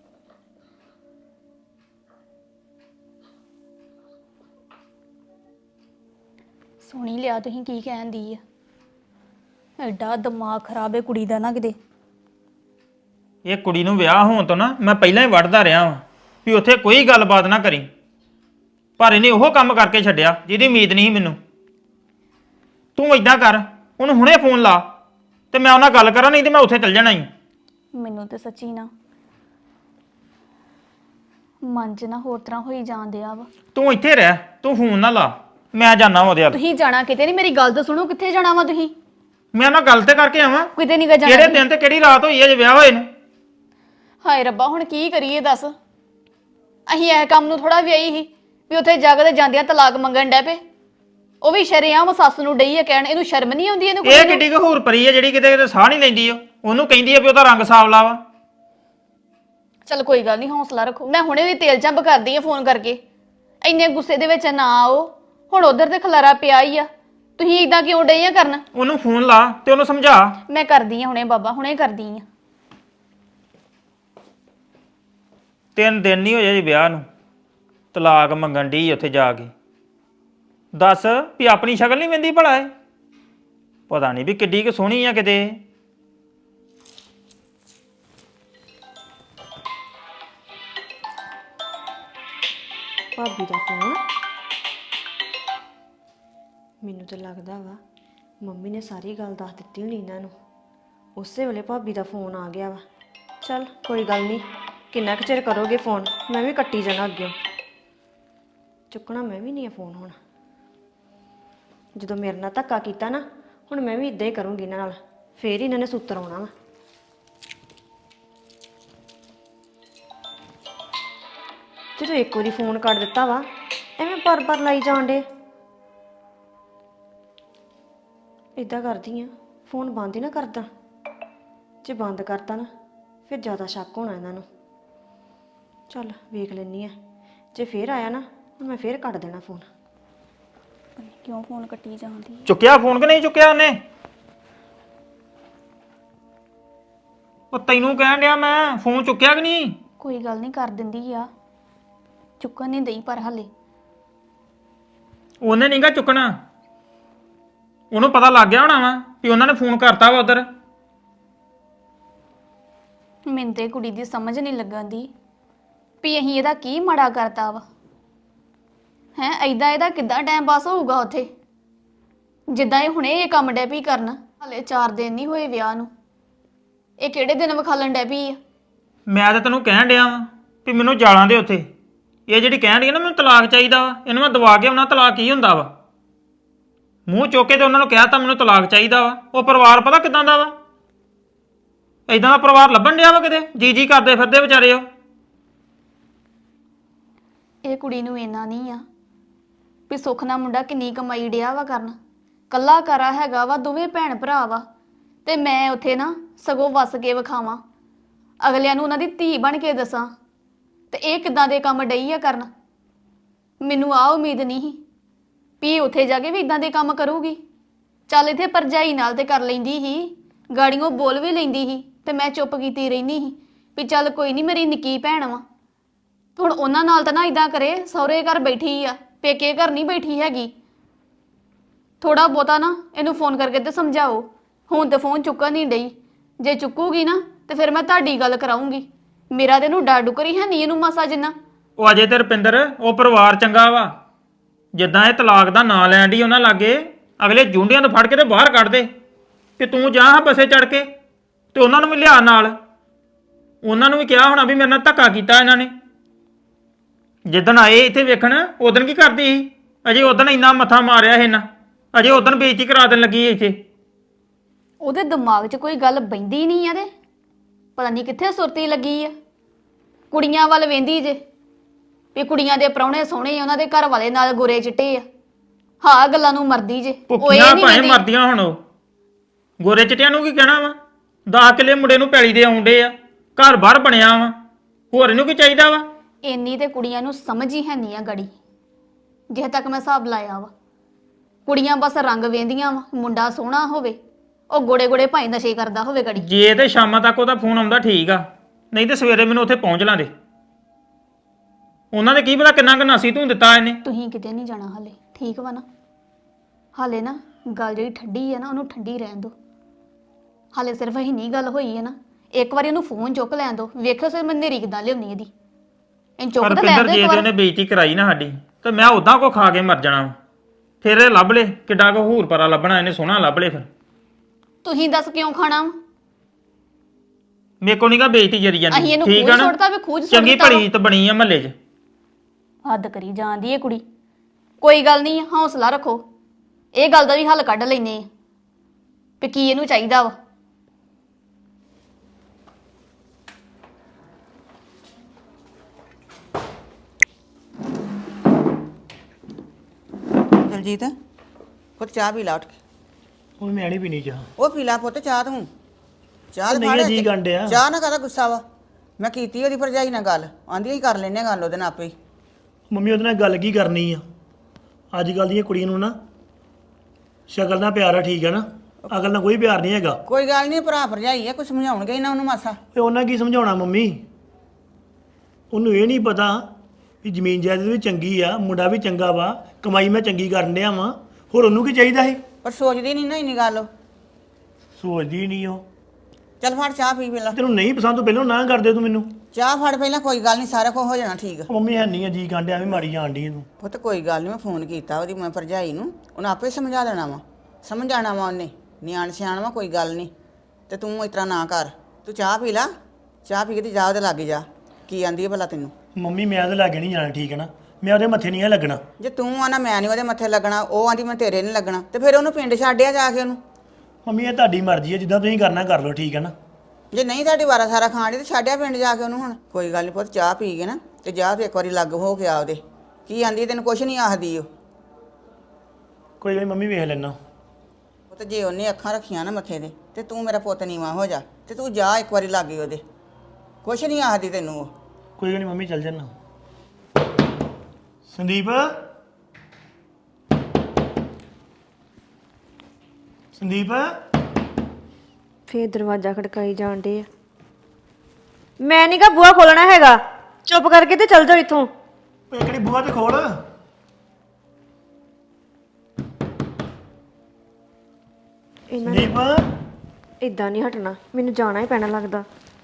[SPEAKER 5] ਸੁਣੀ ਲਿਆ ਤੁਸੀਂ ਕੀ ਕਹਿੰਦੀ ਆ? ਐਡਾ ਦਿਮਾਗ ਖਰਾਬ ਹੈ ਕੁੜੀ ਦਾ ਨਾ ਕਿਤੇ।
[SPEAKER 4] ਇਹ ਕੁੜੀ ਨੂੰ ਵਿਆਹ ਹੋਣ ਤੋਂ ਨਾ ਮੈਂ ਪਹਿਲਾਂ ਹੀ ਵੜਦਾ ਰਿਹਾ ਵਾਂ ਵੀ ਉੱਥੇ ਕੋਈ ਗੱਲਬਾਤ ਨਾ ਕਰੀ, ਪਰ ਇਹਨੇ ਉਹ ਕੰਮ ਕਰਕੇ ਛੱਡਿਆ ਜਿਹਦੀ ਉਮੀਦ ਨਹੀਂ ਸੀ ਮੈਨੂੰ। ਤੂੰ ਏਦਾਂ ਕਰ, ਉਹਨੂੰ ਹੁਣੇ ਫੋਨ ਲਾ ਤੇ ਮੈਂ ਉਹਨਾਂ ਗੱਲ ਕਰਾਂ, ਨਹੀਂ ਤੇ ਮੈਂ ਉੱਥੇ ਚੱਲ ਜਾਣਾ ਹੀ।
[SPEAKER 5] ਮੈਨੂੰ ਤੇ ਸੱਚੀ ਨਾ ਮਨ 'ਚ ਨਾ ਹੋਰ ਤਰ੍ਹਾਂ ਹੋਈ ਜਾਂਦੇ ਆ ਵਾ।
[SPEAKER 4] ਤੂੰ ਇੱਥੇ ਰਹਿ, ਤੂੰ ਫੋਨ ਨਾ ਲਾ, ਮੈਂ ਜਾਣਾ ਉਹਦੇ ਵੱਲ।
[SPEAKER 5] ਤੁਸੀਂ ਜਾਣਾ ਕਿਤੇ ਨਹੀਂ, ਮੇਰੀ ਗੱਲ ਤਾਂ ਸੁਣੋ, ਕਿੱਥੇ ਜਾਣਾ ਵਾ ਤੁਸੀਂ?
[SPEAKER 4] ਮੈਂ ਉਹਨਾਂ ਗੱਲ ਤੇ ਕਰਕੇ ਆਵਾਂ।
[SPEAKER 5] ਕਿਤੇ ਨਹੀਂ ਗਾ ਜਾਣਾ।
[SPEAKER 4] ਕਿਹੜੇ ਦਿਨ ਤੇ ਕਿਹੜੀ ਰਾਤ ਹੋਈ ਹੈ ਜੇ ਵਿਆਹ ਹੋਏ ਨੂੰ?
[SPEAKER 5] ਹਾਏ ਰੱਬਾ, ਹੁਣ ਕੀ ਕਰੀਏ ਦੱਸ? ਅਸੀਂ ਇਹ ਕੰਮ ਨੂੰ ਥੋੜਾ ਵਿਆਹੀ ਸੀ ਵੀ ਉੱਥੇ ਜੱਗ ਤੇ ਜਾਂਦਿਆਂ ਤਲਾਕ ਮੰਗਣ ਡੈ ਪਏ। ਉਹ ਵੀ ਸ਼ਰੇਆਮ ਸੱਸ ਨੂੰ ਡਈ ਆ ਕਹਿਣ, ਇਹਨੂੰ ਸ਼ਰਮ ਨਹੀਂ ਆਉਂਦੀ? ਇਹਨੂੰ
[SPEAKER 4] ਇਹ ਕਿੱਡੀ ਕੁ ਹੂਰ ਪਰੀ ਹੈ ਜਿਹੜੀ ਕਿਤੇ ਕਿਤੇ ਸਾਹ ਨਹੀਂ ਲੈਂਦੀ। ਉਹ ਉਹਨੂੰ ਕਹਿੰਦੀ ਆ ਵੀ ਉਹਦਾ ਰੰਗ ਸਾਵਲਾ ਵਾ।
[SPEAKER 5] ਚਲ ਕੋਈ ਗੱਲ ਨਹੀਂ, ਹੌਸਲਾ ਰੱਖੋ। ਮੈਂ ਹੁਣੇ ਵੀ ਤੇਲ ਚੰਬ ਕਰਦੀ ਆ ਫੋਨ ਕਰਕੇ। ਇੰਨੇ ਗੁੱਸੇ ਦੇ ਵਿੱਚ ਨਾ ਆਓ, ਹੁਣ ਉਧਰ ਤੇ ਖਲਾਰਾ ਪਿਆ ਹੀ ਆ, ਤੁਸੀਂ ਇਦਾਂ ਕਿਉਂ ਡਈ ਆ ਕਰਨ?
[SPEAKER 4] ਉਹਨੂੰ ਫੋਨ ਲਾ ਤੇ ਉਹਨੂੰ ਸਮਝਾ।
[SPEAKER 5] ਮੈਂ ਕਰਦੀ ਆ ਹੁਣੇ ਬਾਬਾ, ਹੁਣੇ ਕਰਦੀ ਆ।
[SPEAKER 4] ਤਿੰਨ ਦਿਨ ਨਹੀਂ ਹੋਏ ਜੀ ਵਿਆਹ ਨੂੰ, ਤਲਾਕ ਮੰਗਣ ਡਈ ਉੱਥੇ ਜਾ ਕੇ। ਦੱਸ ਵੀ ਆਪਣੀ ਸ਼ਕਲ ਨਹੀਂ ਵੰਦੀ ਭਲਾ ਇਹ? ਪਤਾ ਨਹੀਂ ਵੀ ਕਿੱਡੀ ਕੁ ਸੋਹਣੀ ਆ ਕਿਤੇ।
[SPEAKER 2] ਭਾਬੀ ਦਾ ਫੋਨ। ਮੈਨੂੰ ਤਾਂ ਲੱਗਦਾ ਵਾ ਮੰਮੀ ਨੇ ਸਾਰੀ ਗੱਲ ਦੱਸ ਦਿੱਤੀ ਹੋਣੀ ਇਹਨਾਂ ਨੂੰ। ਉਸੇ ਵੇਲੇ ਭਾਬੀ ਦਾ ਫੋਨ ਆ ਗਿਆ ਵਾ। ਚੱਲ ਕੋਈ ਗੱਲ ਨਹੀਂ, ਕਿੰਨਾ ਕੁ ਚਿਰ ਕਰੋਗੇ ਫੋਨ, ਮੈਂ ਵੀ ਕੱਟੀ ਜਾਣਾ ਅੱਗੇ। ਚੁੱਕਣਾ ਮੈਂ ਵੀ ਨਹੀਂ ਆ ਫੋਨ ਹੁਣ। ਜਦੋਂ ਮੇਰੇ ਨਾਲ ਧੱਕਾ ਕੀਤਾ ਨਾ, ਹੁਣ ਮੈਂ ਵੀ ਇਦਾਂ ਹੀ ਕਰੂੰਗੀ ਇਹਨਾਂ ਨਾਲ, ਫੇਰ ਹੀ ਇਹਨਾਂ ਨੇ ਸੂਤਰ ਆਉਣਾ ਵਾ। ਜਦੋਂ ਇੱਕ ਵਾਰੀ ਫੋਨ ਕੱਟ ਦਿੱਤਾ ਵਾ, ਐਵੇਂ ਪਰ ਪਰ ਲਾਈ ਜਾਣ ਡੇ। ਇਦਾਂ ਕਰਦੀ ਆ, ਫੋਨ ਬੰਦ ਹੀ ਨਾ ਕਰਦਾ। ਜੇ ਬੰਦ ਕਰਤਾ ਨਾ ਫਿਰ ਜ਼ਿਆਦਾ ਸ਼ੱਕ ਹੋਣਾ ਇਹਨਾਂ ਨੂੰ। ਚੱਲ ਵੇਖ ਲੈਣੀ ਆ, ਜੇ ਫੇਰ ਆਇਆ ਨਾ ਹੁਣ ਮੈਂ ਫੇਰ ਕੱਟ ਦੇਣਾ ਫੋਨ।
[SPEAKER 5] ਕਿਉਂ ਫੋਨ ਕੱਟੀ ਜਾਂਦੀ?
[SPEAKER 4] ਚੁੱਕਿਆ ਫੋਨ ਕਿ ਨਹੀਂ ਚੁੱਕਿਆ ਉਹਨੇ? ਉਹ ਤੈਨੂੰ ਕਹਿਣ ਡਿਆ ਮੈਂ, ਫੋਨ ਚੁੱਕਿਆ ਕਿ ਨਹੀਂ?
[SPEAKER 5] ਕੋਈ ਗੱਲ ਨਹੀਂ, ਕਰ ਦਿੰਦੀ ਆ। ਚੁੱਕਣ ਨਹੀਂ ਦਈ ਪਰ ਹਲੇ।
[SPEAKER 4] ਉਹਨੇ ਨਹੀਂਗਾ ਚੁੱਕਣਾ, ਉਹਨੂੰ ਪਤਾ ਲੱਗ ਗਿਆ ਹੋਣਾ ਵਾ ਵੀ ਉਹਨਾਂ ਨੇ ਫੋਨ ਕਰਤਾ ਵਾ ਉਧਰ।
[SPEAKER 5] ਮੈਨੂੰ ਤੇ ਕੁੜੀ ਦੀ ਸਮਝ ਨਹੀਂ ਲੱਗਾਂਦੀ ਵੀ ਅਸੀਂ ਇਹਦਾ ਕੀ ਮਾੜਾ ਕਰਤਾ ਵਾ। ਹੈ ਐਦਾਂ ਇਹਦਾ ਕਿੱਦਾਂ ਟਾਈਮ ਪਾਸ ਹੋਊਗਾ ਉੱਥੇ, ਜਿੱਦਾਂ ਇਹ ਹੁਣੇ ਇਹ ਕੰਮ ਡੈ ਪਈ ਕਰਨ। ਹਲੇ ਚਾਰ ਦਿਨ ਨਹੀਂ ਹੋਏ ਵਿਆਹ ਨੂੰ, ਇਹ ਕਿਹੜੇ ਦਿਨ ਵਿਖਾਲਣ ਡੈ ਪਈ ਆ?
[SPEAKER 4] ਮੈਂ ਤਾਂ ਤੈਨੂੰ ਕਹਿਣ ਡਿਆ ਵਾਂ ਵੀ ਮੈਨੂੰ ਜਾਲਾਂ ਦੇ ਉੱਥੇ। ਇਹ ਜਿਹੜੀ ਕਹਿਣ ਡਈ ਆ ਨਾ ਮੈਨੂੰ ਤਲਾਕ ਚਾਹੀਦਾ ਵਾ, ਇਹਨੂੰ ਮੈਂ ਦਵਾ ਕੇ ਉਹਨਾਂ ਤਲਾਕ ਕੀ ਹੁੰਦਾ ਵਾ। ਮੂੰਹ ਚੁੱਕ ਕੇ ਤੇ ਉਹਨਾਂ ਨੂੰ ਕਹਿ ਤਾ ਮੈਨੂੰ ਤਲਾਕ ਚਾਹੀਦਾ ਵਾ। ਉਹ ਪਰਿਵਾਰ ਪਤਾ ਕਿਦਾਂ ਦਾ ਵਾ? ਇਦਾਂ ਦਾ ਪਰਿਵਾਰ ਲੱਭਣ ਡਿਆ ਵਾ ਕਿਤੇ, ਜੀ ਜੀ ਕਰਦੇ ਫਿਰਦੇ ਵਿਚਾਰੇ ਉਹ।
[SPEAKER 5] ਇਹ ਕੁੜੀ ਨੂੰ ਇੰਨਾ ਨਹੀਂ ਆ ਵੀ ਸੁੱਖ ਨਾਲ ਮੁੰਡਾ ਕਿੰਨੀ ਕਮਾਈ ਡਿਆ ਵਾ ਕਰਨ। ਕੱਲਾ ਕਰਾ ਹੈਗਾ ਵਾ, ਦੋਵੇਂ ਭੈਣ ਭਰਾ ਵਾ, ਤੇ ਮੈਂ ਉੱਥੇ ਨਾ ਸਗੋਂ ਵਸ ਕੇ ਵਿਖਾਵਾਂ, ਅਗਲਿਆਂ ਨੂੰ ਉਹਨਾਂ ਦੀ ਧੀ ਬਣ ਕੇ ਦੱਸਾਂ। ਤੇ ਇਹ ਕਿੱਦਾਂ ਦੇ ਕੰਮ ਡਈ ਆ ਕਰਨ? ਮੈਨੂੰ ਆ ਉਮੀਦ ਨਹੀਂ ਸੀ ਵੀ ਉੱਥੇ ਜਾ ਕੇ ਵੀ ਇਦਾਂ ਦੇ ਕੰਮ ਕਰੂਗੀ। ਚੱਲ ਇੱਥੇ ਪਰਜਾਈ ਨਾਲ ਤੇ ਕਰ ਲੈਂਦੀ ਸੀ, ਗਾੜੀਆਂ ਬੋਲ ਵੀ ਲੈਂਦੀ ਸੀ, ਤੇ ਮੈਂ ਚੁੱਪ ਕੀਤੀ ਰਹਿੰਦੀ ਸੀ ਵੀ ਚੱਲ ਕੋਈ ਨਹੀਂ, ਮੇਰੀ ਨਿੱਕੀ ਭੈਣ ਵਾ। ਹੁਣ ਉਹਨਾਂ ਨਾਲ ਤਾਂ ਨਾ ਇਦਾਂ ਕਰੇ, ਸਹੁਰੇ ਘਰ ਬੈਠੀ ਆ, ਪੇਕੇ ਘਰ ਨਹੀਂ ਬੈਠੀ ਹੈਗੀ। ਥੋੜਾ ਬਹੁਤਾ ਨਾ ਇਹਨੂੰ ਫੋਨ ਕਰਕੇ ਤੇ ਸਮਝਾਓ। ਹੁਣ ਤੇ ਫੋਨ ਚੁੱਕਣ ਨਹੀਂ ਡਈ, ਜੇ ਚੁੱਕੂਗੀ ਨਾ ਤੇ ਫਿਰ ਮੈਂ ਤੁਹਾਡੀ ਗੱਲ ਕਰਾਉਂਗੀ। ਮੇਰਾ ਤੇ ਇਹਨੂੰ ਡਰ ਡੁਕਰੀ ਹੈ ਨਹੀਂ ਇਹਨੂੰ ਮਾਸਾ ਜਿੰਨਾ।
[SPEAKER 4] ਉਹ ਅਜੇ ਤੇ ਰੁਪਿੰਦਰ ਉਹ ਪਰਿਵਾਰ ਚੰਗਾ ਵਾ, ਜਿੱਦਾਂ ਇਹ ਤਲਾਕ ਦਾ ਨਾਂ ਲੈਣ ਡਈ ਉਹਨਾਂ ਲਾਗੇ, ਅਗਲੇ ਜੁੰਡਿਆਂ ਤੋਂ ਫੜ ਕੇ ਤੇ ਬਾਹਰ ਕੱਢ ਦੇ ਕਿ ਤੂੰ ਜਾ ਹਾਂ ਬੱਸੇ ਚੜ ਕੇ। ਤੇ ਉਹਨਾਂ ਨੂੰ ਵੀ ਲਿਆ ਨਾਲ, ਉਹਨਾਂ ਨੂੰ ਵੀ ਕਿਹਾ ਹੋਣਾ ਵੀ ਮੇਰੇ ਨਾਲ ਧੱਕਾ ਕੀਤਾ ਇਹਨਾਂ ਨੇ। ਜਿੱਦਣ ਆਏ ਇੱਥੇ ਵੇਖਣ ਉਦੋਂ ਕੀ ਕਰਦੀ ਸੀ? ਅਜੇ ਉਦੋਂ ਇੰਨਾ ਮੱਥਾ ਮਾਰਿਆ ਇਹ ਨਾ, ਅਜੇ ਉਦੋਂ ਬੇਇੱਜ਼ਤੀ ਕਰਾ ਦੇਣ ਲੱਗੀ ਸੀ ਇੱਥੇ।
[SPEAKER 5] ਉਹਦੇ ਦਿਮਾਗ 'ਚ ਕੋਈ ਗੱਲ ਬੈਂਦੀ ਨਹੀਂ ਆ ਤੇ ਪਤਾ ਨਹੀਂ ਕਿੱਥੇ ਸੁਰਤੀ ਲੱਗੀ ਆ। ਕੁੜੀਆਂ ਵੱਲ ਵੇਂਦੀ ਜੇ ਵੀ ਕੁੜੀਆਂ ਦੇ ਪ੍ਰਾਹੁਣੇ ਸੋਹਣੇ ਆ, ਉਹਨਾਂ ਦੇ ਘਰ ਵਾਲੇ ਨਾਲ ਗੋਰੇ ਚਿੱਟੇ ਆ। ਹਾਂ ਗੱਲਾਂ ਨੂੰ ਮਰਦੀ ਜੇ ਉਹ ਇਹ
[SPEAKER 4] ਭੁੱਖੀਆਂ
[SPEAKER 5] ਨਹੀਂ
[SPEAKER 4] ਭਾਵੇਂ
[SPEAKER 5] ਵੇਂਦੀ।
[SPEAKER 4] ਮਰਦੀਆਂ ਹੁਣ ਉਹ ਗੋਰੇ ਚਿੱਟਿਆਂ ਨੂੰ ਕੀ ਕਹਿਣਾ ਵਾ? ਦਸ ਕਿੱਲੇ ਮੁੰਡੇ ਨੂੰ ਪੈਲੀ ਦੇ ਆਉਂਦੇ ਆ, ਘਰ ਬਾਹਰ ਬਣਿਆ ਵਾ, ਹੋਰ ਇਹਨੂੰ ਕੀ ਚਾਹੀਦਾ ਵਾ?
[SPEAKER 5] ਇੰਨੀ ਤੇ ਕੁੜੀਆਂ ਨੂੰ ਸਮਝ ਹੀ ਹੈ ਨਹੀਂ ਆ ਗੜੀ, ਜਿਹੇ ਤੱਕ ਮੈਂ ਹਿਸਾਬ ਲਾਇਆ ਵਾ। ਕੁੜੀਆਂ ਬਸ ਰੰਗ ਵੇਂਦੀਆਂ ਵਾ, ਮੁੰਡਾ ਸੋਹਣਾ ਹੋਵੇ, ਉਹ ਗੋੜੇ ਗੋੜੇ ਭਾਈ ਨਸ਼ੇ ਕਰਦਾ ਹੋਵੇ ਗੜੀ।
[SPEAKER 4] ਜੇ ਤੇ ਸ਼ਾਮਾਂ ਤੱਕ ਉਹਦਾ ਫੋਨ ਆਉਂਦਾ ਠੀਕ ਆ, ਨਹੀਂ ਤੇ ਸਵੇਰੇ ਮੈਨੂੰ ਉੱਥੇ ਪਹੁੰਚ ਲਾਂਦੇ। ਉਹਨਾਂ ਦੇ ਕੀ ਪਤਾ ਕਿੰਨਾ ਕੁ ਨਾਸੀ ਤੂੰ ਦਿੱਤਾ ਇਹਨੇ।
[SPEAKER 5] ਤੁਸੀਂ ਕਿਤੇ ਨਹੀਂ ਜਾਣਾ ਹਾਲੇ, ਠੀਕ ਵਾ ਨਾ? ਹਾਲੇ ਨਾ ਗੱਲ ਜਿਹੜੀ ਠੰਡੀ ਹੈ ਨਾ ਉਹਨੂੰ ਠੰਡੀ ਰਹਿਣ ਦਿਓ। ਹਾਲੇ ਸਿਰਫ ਇਹ ਨਹੀਂ ਗੱਲ ਹੋਈ ਹੈ ਨਾ, ਇੱਕ ਵਾਰੀ ਉਹਨੂੰ ਫੋਨ ਚੁੱਕ ਲੈਣ ਦਿਓ, ਵੇਖਿਓ ਸਿਰ ਮੈਂ ਨੇਰੀ ਕਿੱਦਾਂ ਲਿਆਉਣੀ ਇਹਦੀ। ਇਹ ਚੁੱਕ ਤਾਂ ਲੈਣ
[SPEAKER 4] ਰਪਿੰਦਰ
[SPEAKER 5] ਦਿਓ
[SPEAKER 4] ਜੇ
[SPEAKER 5] ਇੱਕ
[SPEAKER 4] ਤੇ
[SPEAKER 5] ਵਾਰ।
[SPEAKER 4] ਉਹਨੇ ਬੇਇੱਜ਼ਤੀ ਕਰਾਈ ਨਾ ਸਾਡੀ, ਤੇ ਮੈਂ ਉਦਾਂ ਕੋ ਖਾ ਕੇ ਮਰ ਜਾਣਾ ਵਾ। ਫਿਰ ਇਹ ਲੱਭ ਲੇ ਕਿੱਡਾ ਕੋ ਹੂਰ ਪਰਾ ਲੱਭਣਾ, ਇਹਨੇ ਸੋਹਣਾ ਲੱਭ ਲੇ। ਫਿਰ
[SPEAKER 5] ਤੁਸੀਂ ਦੱਸ ਕਿਉਂ ਖਾਣਾ ਵਾ?
[SPEAKER 4] ਮੇਰੇ ਕੋ ਨੀਗਾ ਬੇਇੱਜ਼ਤੀ ਜਰੀ
[SPEAKER 5] ਅਸੀਂ
[SPEAKER 4] ਜਾਂਦੀ,
[SPEAKER 5] ਇਹਨੂੰ
[SPEAKER 4] ਠੀਕ
[SPEAKER 5] ਖੂਜ
[SPEAKER 4] ਆ ਨਾ?
[SPEAKER 5] ਸੁੱਟਤਾ ਵੀ ਖੂਜ ਸੁੱਟ
[SPEAKER 4] ਚੰਗੀ
[SPEAKER 5] ਦਿੱਤਾ ਵਾ।
[SPEAKER 4] ਭਲੀ ਤੇ ਬਣੀ ਆ ਮਹੱਲੇ 'ਚ।
[SPEAKER 5] ਹੱਦ ਕਰੀ ਜਾਂਦੀ ਏ ਕੁੜੀ। ਕੋਈ ਗੱਲ ਨਹੀਂ, ਹੌਸਲਾ ਰੱਖੋ, ਇਹ ਗੱਲ ਦਾ ਵੀ ਹੱਲ ਕੱਢ ਲੈਨੇ ਆ ਵੀ ਕੀ ਇਹਨੂੰ ਚਾਹੀਦਾ ਵਾ।
[SPEAKER 1] ਦਲਜੀਤ ਪੁੱਤ ਚਾਹ ਪੀ ਲਾ ਉੱਠ ਕੇ।
[SPEAKER 3] ਹੁਣ ਮੈਂ ਨਹੀਂ ਪੀਣੀ ਚਾਹ।
[SPEAKER 1] ਉਹ ਪੀ ਲਾ ਪੁੱਤ ਚਾਹ ਤੂੰ। ਚਾਹ
[SPEAKER 3] ਉਹ ਨਹੀਂ
[SPEAKER 1] ਫੜ
[SPEAKER 3] ਜੀ ਗੰਢਿਆ।
[SPEAKER 1] ਚਾਹ ਨਾ ਕਾਹਦਾ ਗੁੱਸਾ ਵਾ? ਮੈਂ ਕੀਤੀ ਉਹਦੀ ਭਰਜਾਈ ਨਾਲ ਗੱਲ, ਆਂਦੀ ਹੀ ਕਰ ਲੈਨੇ ਗੱਲ ਉਹਦੇ ਨਾਲ ਆਪੇ ਹੀ।
[SPEAKER 3] ਮੰਮੀ ਉਹਦੇ ਨਾਲ ਗੱਲ ਕੀ ਕਰਨੀ ਆ? ਅੱਜ ਕੱਲ੍ਹ ਦੀਆਂ ਕੁੜੀਆਂ ਨੂੰ ਨਾ ਸ਼ਕਲ ਨਾਲ ਪਿਆਰ ਆ, ਠੀਕ ਹੈ ਨਾ? ਅਕਲ ਨਾਲ ਕੋਈ ਪਿਆਰ ਨਹੀਂ ਹੈਗਾ।
[SPEAKER 1] ਕੋਈ ਗੱਲ ਨਹੀਂ, ਭਰਾ ਭਰਜਾਈ ਆ, ਕੁਝ ਸਮਝਾਉਣਗੇ ਹੀ ਨਾ ਉਹਨੂੰ ਮਾਸਾ।
[SPEAKER 3] ਤੇ ਉਹਨਾਂ ਕੀ ਸਮਝਾਉਣਾ ਮੰਮੀ? ਉਹਨੂੰ ਇਹ ਨਹੀਂ ਪਤਾ ਵੀ ਜ਼ਮੀਨ ਜਾਇਦਾਦ ਵੀ ਚੰਗੀ ਆ, ਮੁੰਡਾ ਵੀ ਚੰਗਾ ਵਾ, ਕਮਾਈ ਮੈਂ ਚੰਗੀ ਕਰਨ ਡਿਆ ਵਾਂ, ਹੋਰ ਉਹਨੂੰ ਕੀ ਚਾਹੀਦਾ ਸੀ?
[SPEAKER 1] ਪਰ ਸੋਚਦੀ ਨਹੀਂ ਨਾ ਇੰਨੀ ਗੱਲ ਉਹ।
[SPEAKER 3] ਸੋਚਦੀ ਨਹੀਂ ਉਹ।
[SPEAKER 1] ਚੱਲ ਫੜ ਚਾਹ ਪੀ ਪਹਿਲਾਂ।
[SPEAKER 3] ਤੈਨੂੰ ਨਹੀਂ ਪਸੰਦ ਤੋਂ ਪਹਿਲਾਂ ਨਾ ਕਰਦੇ ਤੂੰ ਮੈਨੂੰ।
[SPEAKER 1] ਚਾਹ ਫੜ ਪਹਿਲਾਂ, ਕੋਈ ਗੱਲ ਨਹੀਂ, ਸਾਰਾ ਕੁਝ ਹੋ ਜਾਣਾ ਠੀਕ।
[SPEAKER 3] ਉਹ ਮੰਮੀ ਹੈ ਨਹੀਂ ਆ ਜੀ ਕਾਂਡਿਆ ਵੀ ਮਾਰੀ ਜਾਣ ਡਈ ਤੂੰ।
[SPEAKER 1] ਪੁੱਤ ਕੋਈ ਗੱਲ ਨਹੀਂ, ਮੈਂ ਫੋਨ ਕੀਤਾ ਉਹਦੀ ਮੈਂ ਭਰਜਾਈ ਨੂੰ, ਉਹਨੇ ਆਪੇ ਸਮਝਾ ਦੇਣਾ ਵਾ, ਸਮਝਾਣਾ ਵਾ ਉਹਨੇ। ਨਿਆਣ ਸਿਆਣ ਵਾ, ਕੋਈ ਗੱਲ ਨਹੀਂ। ਤੇ ਤੂੰ ਇਸ ਤਰ੍ਹਾਂ ਨਾ ਕਰ, ਤੂੰ ਚਾਹ ਪੀ ਲਾ, ਚਾਹ ਪੀ ਕੇ ਤੇ ਜਾ ਉਹਦੇ ਲਾਗੇ ਜਾ, ਕੀ ਆਂਦੀ ਹੈ ਭਲਾ ਤੈਨੂੰ?
[SPEAKER 3] ਮੰਮੀ ਮੈਂ ਉਹਦੇ ਲਾਗੇ ਨਹੀਂ ਜਾਣਾ, ਠੀਕ ਹੈ ਨਾ? ਮੈਂ ਉਹਦੇ ਮੱਥੇ ਨਹੀਂ ਆ ਲੱਗਣਾ।
[SPEAKER 1] ਜੇ ਤੂੰ ਆਣਾ ਮੈਂ ਨਹੀਂ ਉਹਦੇ ਮੱਥੇ ਲੱਗਣਾ, ਉਹ ਆਂਦੀ ਮੈਂ ਤੇਰੇ ਨਹੀਂ ਲੱਗਣਾ, ਤੇ ਫਿਰ ਉਹਨੂੰ ਪਿੰਡ ਛੱਡਿਆ ਜਾ ਕੇ ਉਹਨੂੰ।
[SPEAKER 3] ਮੰਮੀ ਇਹ ਤੁਹਾਡੀ ਮਰਜ਼ੀ ਹੈ, ਜਿੱਦਾਂ ਤੁਸੀਂ ਕਰਨਾ ਕਰ ਲਓ, ਠੀਕ ਹੈ ਨਾ?
[SPEAKER 1] ਜੇ ਨਹੀਂ ਤੁਹਾਡੀ ਵਾਰਾ ਸਾਰਾ ਖਾਣ ਦੀ ਤੇ ਛੱਡਿਆ ਪਿੰਡ ਜਾ ਕੇ ਉਹਨੂੰ। ਹੁਣ ਕੋਈ ਗੱਲ ਨਹੀਂ ਪੁੱਤ, ਚਾਹ ਪੀ ਕੇ ਨਾ ਤੇ ਜਾ ਤੇ ਇੱਕ ਵਾਰੀ ਲੱਗ ਹੋ ਕੇ ਆ ਉਹਦੇ। ਕੀ ਆਂਦੀ ਤੈਨੂੰ ਕੁਛ ਨਹੀਂ ਆਖਦੀ ਉਹ।
[SPEAKER 3] ਕੋਈ ਗੱਲ ਨੀ ਮੰਮੀ, ਵੇਖ ਲੈਣਾ।
[SPEAKER 1] ਪੁੱਤ ਜੇ ਉਹਨੇ ਅੱਖਾਂ ਰੱਖੀਆਂ ਨਾ ਮੱਥੇ ਦੇ ਤੇ ਤੂੰ ਮੇਰਾ ਪੁੱਤ ਨੀਵਾਂ ਹੋ ਜਾ, ਤੇ ਤੂੰ ਜਾ ਇੱਕ ਵਾਰੀ ਲਾਗੇ ਉਹਦੇ, ਕੁਛ ਨਹੀਂ ਆਖਦੀ ਤੈਨੂੰ ਉਹ।
[SPEAKER 3] ਕੋਈ ਗੱਲ ਨਹੀਂ ਮੰਮੀ, ਚੱਲ ਜਾਣਾ। ਸੰਦੀਪ ਸੰਦੀਪ
[SPEAKER 2] ਫੇਰ ਦਰਵਾਜ਼ਾ ਖੜਕਾਈ ਜਾਣ ਡੇ ਆ। ਮੈਂ ਨੀ ਗਾ ਬੂਹਾ ਖੋਲਣਾ ਹੈਗਾ, ਚੁੱਪ ਕਰਕੇ ਤੇ ਚੱਲ ਜਾਓ ਇੱਥੋਂ।
[SPEAKER 3] ਇਹ ਕਿਹੜੀ ਬੂਹਾ ਤੇ ਖੋਲ।
[SPEAKER 2] ਇਹਨਾਂ ਨੇ
[SPEAKER 3] ਸੰਦੀਪ
[SPEAKER 2] ਇਦਾਂ ਨਹੀਂ ਹਟਣਾ, ਮੈਨੂੰ ਜਾਣਾ ਹੀ ਪੈਣਾ ਲੱਗਦਾ।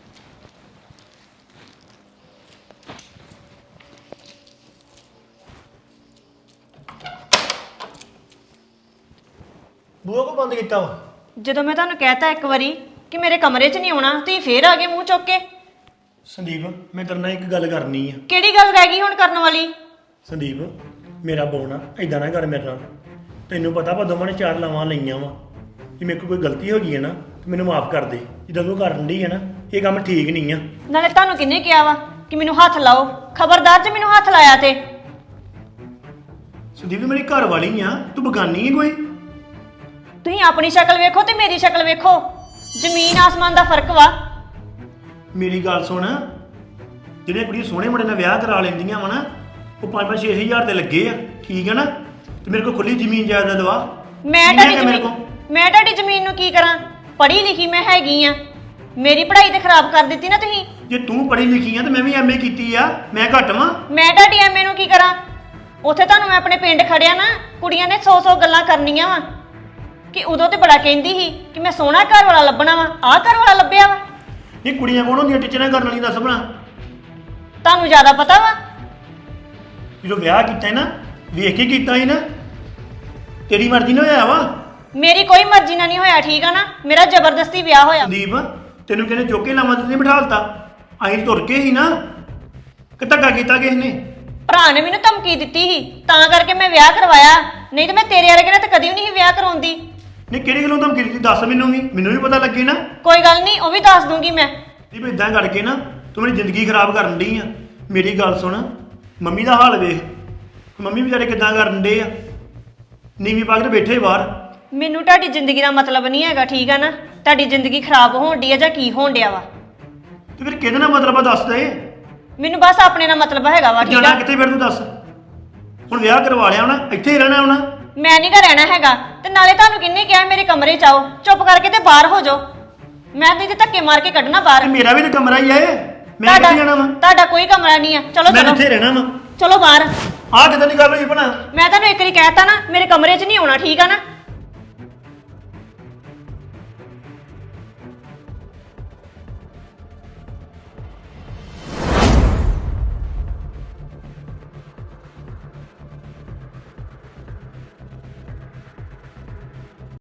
[SPEAKER 3] ਬੂਹਾ ਕੋ ਬੰਦ ਕੀਤਾ ਵਾ?
[SPEAKER 2] ਜਦੋਂ ਮੈਂ ਤੁਹਾਨੂੰ ਕਹਿਤਾ ਇੱਕ ਵਾਰੀ ਕਿ ਮੇਰੇ ਕਮਰੇ 'ਚ ਨਹੀਂ ਆਉਣਾ, ਤੁਸੀਂ ਫੇਰ ਆ ਗਏ ਮੂੰਹ ਚੁੱਕ ਕੇ।
[SPEAKER 3] ਸੰਦੀਪ ਮੈਂ ਤੇਰੇ ਨਾਲ ਇੱਕ ਗੱਲ ਕਰਨੀ ਆ।
[SPEAKER 2] ਕਿਹੜੀ ਗੱਲ ਰਹਿ ਗਈ ਹੁਣ ਕਰਨ ਵਾਲੀ?
[SPEAKER 3] ਸੰਦੀਪ ਮੇਰਾ ਬੋਣਾ ਇਦਾਂ ਨਾ ਕਰ ਮੇਰੇ ਨਾਲ। ਤੈਨੂੰ ਪਤਾ ਆਪਾਂ ਦੋਵਾਂ ਨੇ ਚਾਰ ਲਾਵਾਂ ਲਈਆਂ ਵਾ। ਜੇ ਮੇਰੇ ਕੋਲ ਕੋਈ ਗਲਤੀ ਹੋ ਗਈ ਹੈ ਨਾ ਤੇ ਮੈਨੂੰ ਮਾਫ ਕਰ ਦੇ। ਜਿੱਦਾਂ ਤੂੰ ਕਰਨ ਡਈ ਹੈ ਨਾ, ਇਹ ਕੰਮ ਠੀਕ ਨਹੀਂ ਆ।
[SPEAKER 2] ਨਾਲੇ ਤੁਹਾਨੂੰ ਕਿਹਨੇ ਕਿਹਾ ਵਾ ਕਿ ਮੈਨੂੰ ਹੱਥ ਲਾਓ? ਖਬਰਦਾਰ ਜੇ ਮੈਨੂੰ ਹੱਥ ਲਾਇਆ ਤੇ।
[SPEAKER 3] ਸੰਦੀਪ ਮੇਰੀ ਘਰ ਵਾਲੀ ਆ, ਤੂੰ ਬਗਾਨੀ ਹੈ ਕੋਈ?
[SPEAKER 2] ਤੁਸੀਂ ਆਪਣੀ ਸ਼ਕਲ ਵੇਖੋ ਤੇ ਮੇਰੀ ਸ਼ਕਲ ਵੇਖੋ, ਜ਼ਮੀਨ ਆਸਮਾਨ ਦਾ ਫਰਕ ਵਾ।
[SPEAKER 3] ਮੇਰੀ ਗੱਲ ਸੁਣ, ਜਿਹੜੇ ਕੁੜੀ ਸੋਹਣੇ ਮੁੰਡੇ ਨਾਲ ਵਿਆਹ ਕਰਾ ਲੈਂਦੀਆਂ ਵਾ ਨਾ, ਉਹ ਪੰਜ ਪੰਜ ਛੇ ਹਜ਼ਾਰ ਤੇ ਲੱਗੇ ਆ, ਠੀਕ ਹੈ ਨਾ? ਤੇ ਮੇਰੇ ਕੋਲ ਖੁੱਲੀ ਜ਼ਮੀਨ ਜਾਇਦਾਦ ਵਾ।
[SPEAKER 2] ਮੈਂ
[SPEAKER 3] ਕਿੰਨੇ
[SPEAKER 2] ਤੁਹਾਡੀ
[SPEAKER 3] ਕੁ ਮੇਰੇ
[SPEAKER 2] ਜ਼ਮੀਨ
[SPEAKER 3] ਕੋਲ?
[SPEAKER 2] ਮੈਂ ਤੁਹਾਡੀ ਜ਼ਮੀਨ ਨੂੰ ਕੀ ਕਰਾਂ? ਪੜ੍ਹੀ ਲਿਖੀ ਮੈਂ ਹੈਗੀ ਆ, ਮੇਰੀ ਪੜ੍ਹਾਈ ਤੇ ਖਰਾਬ ਕਰ ਦਿੱਤੀ ਨਾ ਤੁਸੀਂ।
[SPEAKER 3] ਜੇ ਤੂੰ ਪੜ੍ਹੀ ਲਿਖੀ ਆ ਤੇ ਮੈਂ ਵੀ ਐਮਏ ਕੀਤੀ ਆ, ਮੈਂ ਘੱਟ ਵਾਂ?
[SPEAKER 2] ਮੈਂ ਤੁਹਾਡੀ ਐਮਏ ਨੂੰ ਕੀ ਕਰਾਂ? ਉੱਥੇ ਤੁਹਾਨੂੰ ਮੈਂ ਆਪਣੇ ਪਿੰਡ ਖੜਿਆ ਨਾ, ਕੁੜੀਆਂ ਨੇ ਸੌ ਸੌ ਗੱਲਾਂ ਕਰਨੀਆਂ ਵਾ ਕਿ ਉਦੋਂ ਤੇ ਬੜਾ ਕਹਿੰਦੀ ਸੀ ਕਿ ਮੈਂ ਸੋਹਣਾ ਘਰ ਵਾਲਾ ਲੱਭਣਾ ਵਾ, ਆਹ ਘਰ ਵਾਲਾ ਲੱਭਿਆ ਵਾ।
[SPEAKER 3] ਇਹ ਕੁੜੀਆਂ ਕੋਣ ਹੁੰਦੀਆਂ ਟੀਚਰਾਂ ਕਰਨ ਵਾਲੀ? ਦੱਸ ਬਣਾ।
[SPEAKER 2] ਤੁਹਾਨੂੰ ਜ਼ਿਆਦਾ ਪਤਾ ਵਾ।
[SPEAKER 3] ਜਦੋਂ ਵਿਆਹ ਕੀਤਾ ਹੈ ਨਾ, ਵੇਖ ਕੇ ਕੀਤਾ ਸੀ ਨਾ, ਤੇਰੀ ਮਰਜ਼ੀ ਨਾਲ ਹੋਇਆ ਵਾ।
[SPEAKER 2] ਮੇਰੀ ਕੋਈ ਮਰਜ਼ੀ ਨਾਲ ਨਹੀਂ ਹੋਇਆ, ਠੀਕ ਆ ਨਾ? ਮੇਰਾ ਜ਼ਬਰਦਸਤੀ ਵਿਆਹ ਹੋਇਆ।
[SPEAKER 3] ਸੰਦੀਪ ਤੈਨੂੰ ਕਹਿੰਦੇ ਚੋਕੇ ਲਾਵਾਂ ਤੇ ਨਹੀਂ ਬਿਠਾਲਤਾ, ਅਸੀਂ ਤੁਰ ਕੇ ਹੀ ਨਾ ਕਿ ਧੱਕਾ ਕੀਤਾ ਕਿਸ ਨੇ?
[SPEAKER 2] ਭਰਾ ਨੇ ਮੈਨੂੰ ਧਮਕੀ ਦਿੱਤੀ ਸੀ ਤਾਂ ਕਰਕੇ ਮੈਂ ਵਿਆਹ ਕਰਵਾਇਆ, ਨਹੀਂ ਤੇ ਮੈਂ ਤੇਰੇ ਵਰਗੇ ਨਾਲ ਤਾਂ ਕਦੀ ਵੀ ਨਹੀਂ ਸੀ ਵਿਆਹ ਕਰਾਉਂਦੀ।
[SPEAKER 3] ਨਹੀਂ ਕਿਹੜੀ ਗੱਲੋਂ ਧਮਕੀ ਦਿੱਤੀ ਦੱਸ ਮੈਨੂੰ ਵੀ ਮੈਨੂੰ ਵੀ ਪਤਾ ਲੱਗੇ ਨਾ।
[SPEAKER 2] ਕੋਈ ਗੱਲ ਨਹੀਂ, ਉਹ ਵੀ ਦੱਸ ਦੂੰਗੀ ਮੈਂ।
[SPEAKER 3] ਦੀਪ ਇਦਾਂ ਕਰਕੇ ਨਾ ਤੂੰ ਮੇਰੀ ਜ਼ਿੰਦਗੀ ਖਰਾਬ ਕਰਨ ਡਈ ਆ। ਮੇਰੀ ਗੱਲ ਸੁਣ, ਮੰਮੀ ਦਾ ਹਾਲ ਵੇਖ, ਮੰਮੀ ਵਿਚਾਰੇ ਕਿੱਦਾਂ ਕਰਨ ਡੇ ਆ, ਨੀਵੀਂ ਪਾ ਕੇ ਤੇ ਬੈਠੇ ਬਾਹਰ।
[SPEAKER 2] ਮੈਨੂੰ ਤੁਹਾਡੀ ਜ਼ਿੰਦਗੀ ਦਾ ਮਤਲਬ ਨਹੀਂ ਹੈਗਾ, ਠੀਕ ਆ ਨਾ? ਤੁਹਾਡੀ ਜ਼ਿੰਦਗੀ ਖਰਾਬ ਹੋਣ ਡਈ ਆ ਜਾਂ ਕੀ ਹੋਣ ਡਿਆ ਵਾ?
[SPEAKER 3] ਤੇ ਫਿਰ ਕਿਹਦੇ ਨਾਲ ਮਤਲਬ ਆ ਦੱਸ ਦੇ।
[SPEAKER 2] ਮੈਨੂੰ ਬਸ ਆਪਣੇ ਨਾਲ ਮਤਲਬ ਹੈਗਾ ਵਾ, ਠੀਕ
[SPEAKER 3] ਜਾਣਾ
[SPEAKER 2] ਆ?
[SPEAKER 3] ਕਿੱਥੇ ਫਿਰ ਤੂੰ ਦੱਸ। ਹੁਣ ਵਿਆਹ ਕਰਵਾ ਲਿਆ ਹੋਣਾ, ਇੱਥੇ ਹੀ ਰਹਿਣਾ ਹੋਣਾ।
[SPEAKER 2] ਮੈਂ ਨਹੀਂ ਘਰ ਰਹਿਣਾ ਹੈਗਾ, ਤੇ ਨਾਲੇ ਤੁਹਾਨੂੰ ਕਿੰਨੇ ਕਿਹਾ ਮੇਰੇ ਕਮਰੇ 'ਚ ਆਓ? ਚੁੱਪ ਕਰਕੇ ਤੇ ਬਾਹਰ ਹੋ ਜਾਓ। ਮੈਂ ਨਹੀਂ ਤੇ ਧੱਕੇ ਮਾਰ ਕੇ ਕੱਢਣਾ ਬਾਹਰ।
[SPEAKER 3] ਤੇ ਮੇਰਾ ਵੀ ਤਾਂ ਕਮਰਾ ਹੀ ਆ ਇਹ, ਮੈਂ ਕਿੱਥੇ ਜਾਣਾ ਵਾ?
[SPEAKER 2] ਤੁਹਾਡਾ ਕੋਈ ਕਮਰਾ ਨਹੀਂ ਆ। ਚਲੋ
[SPEAKER 3] ਮੈਂ
[SPEAKER 2] ਚਲੋ
[SPEAKER 3] ਇੱਥੇ ਰਹਿਣਾ ਵਾ।
[SPEAKER 2] ਚਲੋ ਬਾਹਰ।
[SPEAKER 3] ਆਹ ਕਿੱਦਾਂ ਦੀ ਗੱਲ ਹੋਈ ਭਣਾ?
[SPEAKER 2] ਮੈਂ ਤੁਹਾਨੂੰ ਇੱਕ ਵਾਰੀ ਕਹਿਤਾ ਨਾ ਮੇਰੇ ਕਮਰੇ 'ਚ ਨਹੀਂ ਆਉਣਾ, ਠੀਕ ਆ ਨਾ?